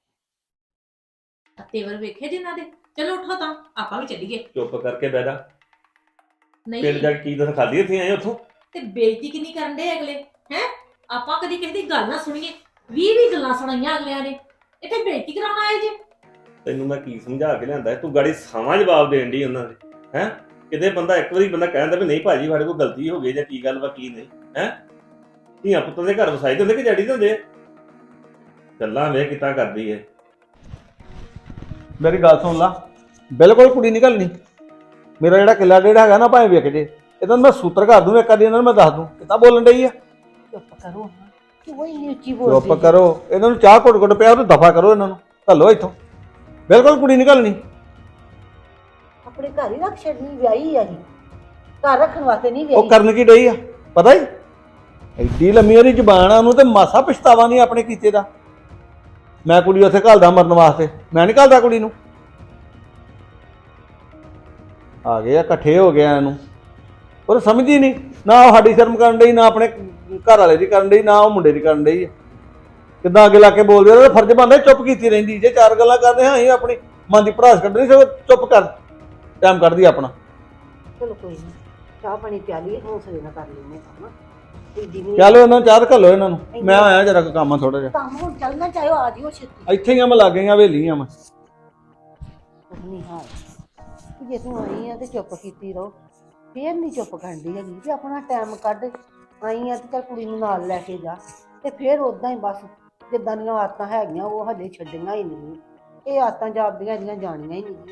Speaker 1: ਤੇਵਰ ਵੇਖੇ ਜਿਨ੍ਹਾਂ ਦੇ। ਚਲੋ ਉੱਠੋ ਤਾਂ ਆਪਾਂ ਵੀ ਚੱਲੀਏ।
Speaker 2: ਚੁੱਪ ਕਰਕੇ ਬਹਿ ਜਾ।
Speaker 1: ਨਹੀਂ
Speaker 2: ਪਿੰਡ ਜਾ ਕੇ ਕੀ ਦੱਸ ਖਾਦੀ ਇੱਥੇ ਆਏ ਉੱਥੋਂ।
Speaker 1: ਤੇ ਬੇਇੱਜ਼ਤੀ ਕਿੰਨੀ ਕਰਨ ਦੇ ਅਗਲੇ ਹੈ। ਆਪਾਂ ਕਦੀ ਕਿਸੇ ਦੀ ਗੱਲ ਨਾ ਸੁਣੀਏ, ਵੀਹ ਵੀਹ ਗੱਲਾਂ ਸੁਣਾਈਆਂ ਅਗਲਿਆਂ ਨੇ, ਇੱਥੇ ਬੇਇੱਜ਼ਤੀ ਕਰਾਉਣ ਆਏ ਜੇ।
Speaker 2: ਤੈਨੂੰ ਮੈਂ ਕੀ ਸਮਝਾ ਕੇ ਲਿਆਂਦਾ ਤੂੰ ਗਾੜੀ ਸਾਵਾਂ ਜਵਾਬ ਦੇਣ ਦੀ ਉਹਨਾਂ ਦੇ ਹੈ। ਕਿਤੇ ਬੰਦਾ ਇੱਕ ਵਾਰੀ ਬੰਦਾ ਕਹਿੰਦਾ ਵੀ ਨਹੀਂ ਭਾਜੀ ਸਾਡੇ ਕੋਲ ਗਲਤੀ ਹੋ ਗਈ ਜਾਂ ਕੀ ਗੱਲ ਵਾ ਕੀ ਨਹੀਂ ਹੈ। ਧੀਆਂ ਪੁੱਤਾਂ ਦੇ ਘਰ ਵਸਾਈ ਦੇ ਹੁੰਦੇ ਕਿ ਜੜੀ ਦੇ ਹੁੰਦੇ ਆ। ਗੱਲਾਂ ਵੇਖ ਕਿੱਦਾਂ ਕਰਦੀ ਏ।
Speaker 7: ਮੇਰੀ ਗੱਲ ਸੁਣ ਲਾ, ਬਿਲਕੁਲ ਕੁੜੀ ਨਹੀਂ ਘੱਲਣੀ। ਮੇਰਾ ਜਿਹੜਾ ਕਿੱਲਾ ਡੇਢ ਹੈਗਾ ਨਾ ਭਾਵੇਂ ਵਿਕ ਜੇ, ਇਹਨਾਂ ਨੂੰ ਮੈਂ ਸੂਤਰ ਕਰ ਦੂੰ ਇੱਕ ਅੱਧੀ ਇਹਨਾਂ ਨੂੰ ਮੈਂ ਦੱਸ ਦੂੰ ਕਿੱਦਾਂ ਬੋਲਣ ਡਈ ਆ।
Speaker 5: ਚੁੱਪ ਕਰੋ ਕਿਉਂ ਇੰਨੀ ਉੱਚੀ ਬੋਲਦੀ
Speaker 7: ਚੁੱਪ ਕਰੋ, ਇਹਨਾਂ ਨੂੰ ਚਾਹ ਘੁੱਟ ਘੁੱਟ ਪਿਆ ਉਹ ਦਫਾ ਕਰੋ ਇਹਨਾਂ ਨੂੰ, ਘੱਲੋ ਇੱਥੋਂ। ਬਿਲਕੁਲ ਕੁੜੀ ਨਹੀਂ ਘੱਲਣੀ।
Speaker 5: ਆਪਣੇ ਘਰ ਹੀ ਰੱਖ ਛੱਡਣੀ, ਵਿਆਹੀ ਆ ਜੀ, ਘਰ ਰੱਖਣ ਵਾਸਤੇ ਨਹੀਂ
Speaker 7: ਉਹ
Speaker 5: ਵਿਆਹੀ।
Speaker 7: ਕਰਨ ਕੀ ਡਈ ਆ ਪਤਾ ਹੀ, ਐਡੀ ਲੰਮੀ ਉਹਦੀ ਜ਼ਬਾਨ ਆ, ਉਹਨੂੰ ਤੇ ਮਾਸਾ ਪਛਤਾਵਾ ਨਹੀਂ ਆਪਣੇ ਕੀਤੇ ਦਾ। ਮੈਂ ਕੁੜੀ ਉੱਥੇ ਘੱਲਦਾ ਮਰਨ ਵਾਸਤੇ, ਮੈਂ ਨਹੀਂ ਘੱਲਦਾ ਕੁੜੀ ਨੂੰ। ਆ ਗਏ ਆ ਇਕੱਠੇ ਹੋ ਗਿਆ ਇਹਨੂੰ, ਉਹ ਸਮਝਦੀ ਨਹੀਂ ਨਾ, ਉਹ ਸਾਡੀ ਸ਼ਰਮ ਕਰਨ ਡਈ ਨਾ ਆਪਣੇ ਘਰ ਵਾਲੇ ਦੀ ਕਰਨ ਡਈ ਨਾ ਉਹ ਮੁੰਡੇ ਦੀ ਕਰਨ ਡਈ ਆ। ਕਿੱਦਾਂ ਅੱਗੇ ਲਾ ਕੇ ਬੋਲਦੇ ਉਹਦਾ ਫਰਜ਼ ਬਣਦਾ ਚੁੱਪ ਕੀਤੀ ਰਹਿੰਦੀ। ਜੇ ਚਾਰ ਗੱਲਾਂ ਕਰਦੇ ਹਾਂ ਅਸੀਂ ਆਪਣੀ ਮਨ ਦੀ ਭੜਾਸ ਕੱਢਣੀ, ਸਗੋਂ ਚੁੱਪ ਕਰ ਟਾਈਮ ਕੱਢਦੀ ਆਪਣਾ।
Speaker 5: ਚਲੋ ਕੋਈ ਨਹੀਂ, ਚਾਹ ਪਾਣੀ ਪਿਆਲੀ, ਹੌਸਲੇ ਨਾਲ ਕਰ ਲੈਂਦੇ ਕੰਮ। ਦੀਦੀ ਵੀ
Speaker 7: ਚੱਲ ਇਹਨਾਂ ਨੂੰ ਚਾਹ ਘੱਲੋ ਇਹਨਾਂ ਨੂੰ, ਮੈਂ ਆਇਆ ਜਰਾ ਕੋ ਕੰਮ ਆ ਥੋੜਾ ਜਿਹਾ।
Speaker 5: ਕੰਮ ਹੁਣ ਚੱਲਣਾ ਚਾਹੀਓ, ਆ ਜਿਓ ਛੇਤੀ।
Speaker 7: ਇੱਥੇ ਹੀ ਆ ਮੈਂ ਲੱਗ ਗਈਆਂ ਹਵੇਲੀਆਂ ਮੈਂ।
Speaker 5: ਨਹੀਂ ਹਾਲ ਜੇ ਤੂੰ ਆਈ ਆ ਤੇ ਚੁੱਪ ਕੀਤੀ ਰਹੋ, ਫੇਰ ਨਹੀਂ ਚੁੱਪ ਕਰਦੀ ਹੈਗੀ ਵੀ ਆਪਣਾ ਟਾਈਮ ਕੱਢ ਆਈ ਆ ਤੇ ਚੱਲ ਕੁੜੀ ਨੂੰ ਨਾਲ ਲੈ ਕੇ ਜਾ। ਤੇ ਫੇਰ ਉਦਾਂ ਹੀ ਬਸ ਜਿੱਦਾਂ ਦੀਆਂ ਆਦਤਾਂ ਹੈਗੀਆਂ ਉਹ ਹਜੇ ਛੱਡੀਆਂ ਹੀ ਨਹੀਂ। ਇਹ ਆਦਤਾਂ ਜਾਪਦੀਆਂ ਇਹਦੀਆਂ ਜਾਣੀਆਂ ਹੀ ਨਹੀਂ।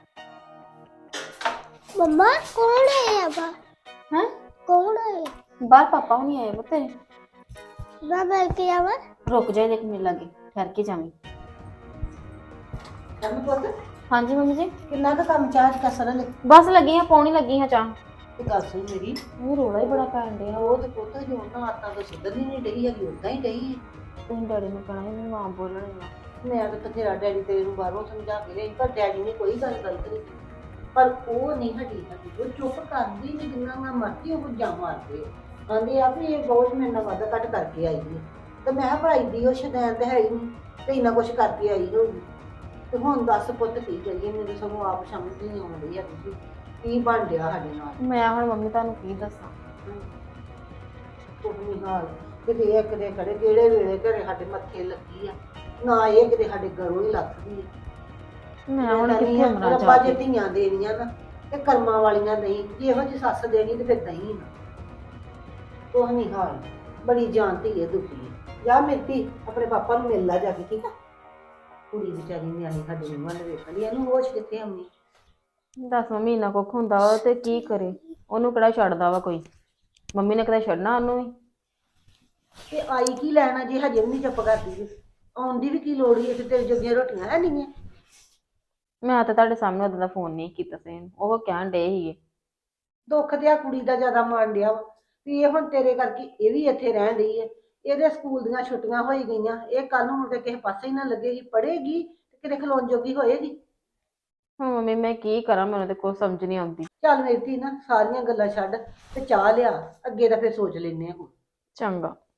Speaker 11: मम्मा कौन है अब?
Speaker 4: हैं?
Speaker 11: कौन है?
Speaker 4: बाहर पापा नहीं आए बते।
Speaker 11: बाबा के आवा?
Speaker 4: रुक जाए देख मिल लगे ठहर के जामी।
Speaker 5: ਕੰਮ ਪੁੱਤ
Speaker 4: हाँ जी मम्मी जी
Speaker 5: ਕਿੰਨਾ ਕੁ ਕੰਮ ਚਾਹ ਚ ਕਸਰ ਲੈ
Speaker 4: बस लगी हैं पौनी लगी हैं चाह।
Speaker 5: ਤੇ ਗੱਲ ਸੁਣ ਮੇਰੀ,
Speaker 4: वो रोला ही बड़ा पैन दिया।
Speaker 5: ਉਹ ਤੇ ਪੁੱਤ ਜੋ ਉਹਨਾਂ ਆਦਤਾਂ ਤੋਂ ਸੁਧਰਨੀ ਨਹੀਂ ਡਈ ਹੈਗੀ, ਉਦਾਂ ਹੀ ਡਈ ਹੈ।
Speaker 4: तुम डैडी ने कहना है मां बोलने ना।
Speaker 5: ਮੈਂ ਤਾਂ ਬਥੇਰਾ ਡੈਡੀ ਤੇਰੇ ਨੂੰ ਬਾਹਰੋਂ ਸਮਝਾ ਕੇ ਰਹੀ, ਪਰ ਡੈਡੀ ਨੇ ਕੋਈ ਗੱਲ ਗਲਤ ਨਹੀਂ ਕੀਤੀ। ਪਰ ਉਹ ਨਹੀਂ ਹਟੀ ਹਟੀ, ਉਹ ਚੁੱਪ ਕਰਦੀ ਨਹੀਂ, ਜਿੰਨਾ ਮੈਂ ਮਰਦੀ ਉਹ ਜਾਂ ਮਾਰਦੇ ਆਂਦੇ ਆ ਵੀ ਇਹ ਬਹੁਤ ਮੇਰੇ ਨਾਲ ਵਾਧਾ ਘੱਟ ਕਰਕੇ ਆਈ ਹੈ। ਤੇ ਮੈਂ ਭਰਾਈ ਦੀ ਉਹ ਸ਼ਦੈਨ ਤੇ ਹੈ ਹੀ ਨਹੀਂ ਤੇ ਇੰਨਾ ਕੁਛ ਕਰਕੇ ਆਈ ਹੋਊਗੀ। ਤੇ ਹੁਣ ਦੱਸ ਪੁੱਤ ਕੀ ਕਰੀਏ, ਮੈਨੂੰ ਸਗੋਂ ਆਪ ਸਮਝ ਨਹੀਂ ਆਉਂਦੀ ਹੈ ਤੁਸੀਂ ਕੀ ਬਣ ਰਿਹਾ ਸਾਡੇ ਨਾਲ।
Speaker 4: मैं हुण मम्मी तुहानू की दसां।
Speaker 5: ਕੁਝ ਨਹੀਂ ਹਾਲ ਕਿਤੇ ਇਹ ਕਿਤੇ ਖੜੇ ਕਿਹੜੇ ਵੇਲੇ ਘਰੇ ਸਾਡੇ ਮੱਥੇ ਲੱਗੀ ਆ, ਨਾ ਇਹ ਕਿਤੇ ਸਾਡੇ ਘਰੋਂ ਹੀ ਲੱਥਦੀ ਆ।
Speaker 4: मैं हुण कित्थे मरा
Speaker 5: ਰੱਬਾ
Speaker 4: जा
Speaker 5: ਜੇ ਧੀਆਂ ਦੇਣੀਆਂ ਨਾ ਤੇ ਕਰਮਾਂ ਵਾਲੀਆਂ ਨਹੀਂ, ਜੇ ਇਹੋ ਜਿਹੀ ਸੱਸ ਦੇਣੀ ਤੇ ਫਿਰ ਦਹੀਂ ਨਾ। ਕੁਝ ਨਹੀਂ ਹਾਲ, ਬੜੀ ਜਾਣਤੀ ਹੈ ਦੁਖੀ ਹੈ। ਜਾ ਮਿਲਤੀ ਆਪਣੇ ਪਾਪਾ ਨੂੰ ਮਿਲ ਲਾ ਜਾ ਕੇ, ਠੀਕ ਆ। ਕੁੜੀ ਵਿਚਾਰੀ ਨਿਆਣੀ ਸਾਡੇ ਨੂੰ ਵੱਲ ਵੇਖਣੀ, ਇਹਨੂੰ ਹੋਸ਼ ਕਿੱਥੇ ਆਉਣੀ।
Speaker 4: दस मम्मी इन्ना कुछ हुंदा वा ते की करे, ओनू किहड़ा छड्डदा वा कोई। मम्मी ने कदे छड्डना ओनू भी।
Speaker 5: ਤੇ ਆਈ ਕੀ ਲੈਣਾ ਜੇ ਹਜੇ ਵੀ ਨਹੀਂ ਚੁੱਪ ਕਰਦੀ ਜੀ, ਆਉਣ ਦੀ ਵੀ ਕੀ ਲੋੜ ਹੈ, ਤੇ ਤੇਰੇ ਜੋਗੀਆਂ ਰੋਟੀਆਂ ਹੈ ਨਹੀਂ।
Speaker 4: ਮੈਂ ਤਾਂ ਤੁਹਾਡੇ ਸਾਹਮਣੇ ਉਦੋਂ ਦਾ ਫੋਨ ਨਹੀਂ ਕੀਤਾ ਸੀ, ਉਹ ਕਹਿਣ ਡੇ ਸੀਗੇ।
Speaker 5: ਦੁੱਖ ਤੇ ਆ ਕੁੜੀ ਦਾ ਜ਼ਿਆਦਾ ਮਾਣ ਡਿਆ ਵਾ ਵੀ ਇਹ ਹੁਣ ਤੇਰੇ ਕਰਕੇ ਇਹ ਵੀ ਇੱਥੇ ਰਹਿਣ ਡਈ ਹੈ। ਇਹਦੇ ਸਕੂਲ ਦੀਆਂ ਛੁੱਟੀਆਂ ਹੋਈ ਗਈਆਂ, ਇਹ ਕੱਲ ਨੂੰ ਮੁੜ ਕੇ ਕਿਸੇ ਪਾਸੇ ਹੀ ਨਾ ਲੱਗੇਗੀ, ਪੜ੍ਹੇਗੀ ਤੇ ਕਿਤੇ ਖਲੋਣ ਜੋਗੀ ਹੋਏਗੀ।
Speaker 4: ਹੁਣ ਮੰਮੀ ਮੈਂ ਕੀ ਕਰਾਂ, ਮੈਨੂੰ ਤੇ ਕੁਝ ਸਮਝ ਨਹੀਂ ਆਉਂਦੀ।
Speaker 5: ਚੱਲ ਮੇਰੀ ਧੀ ਨਾ ਸਾਰੀਆਂ ਗੱਲਾਂ ਛੱਡ ਤੇ ਚਾਹ ਲਿਆ, ਅੱਗੇ ਦਾ ਫਿਰ ਸੋਚ ਲੈਨੇ ਆ ਹੁਣ।
Speaker 4: ਚੰਗਾ।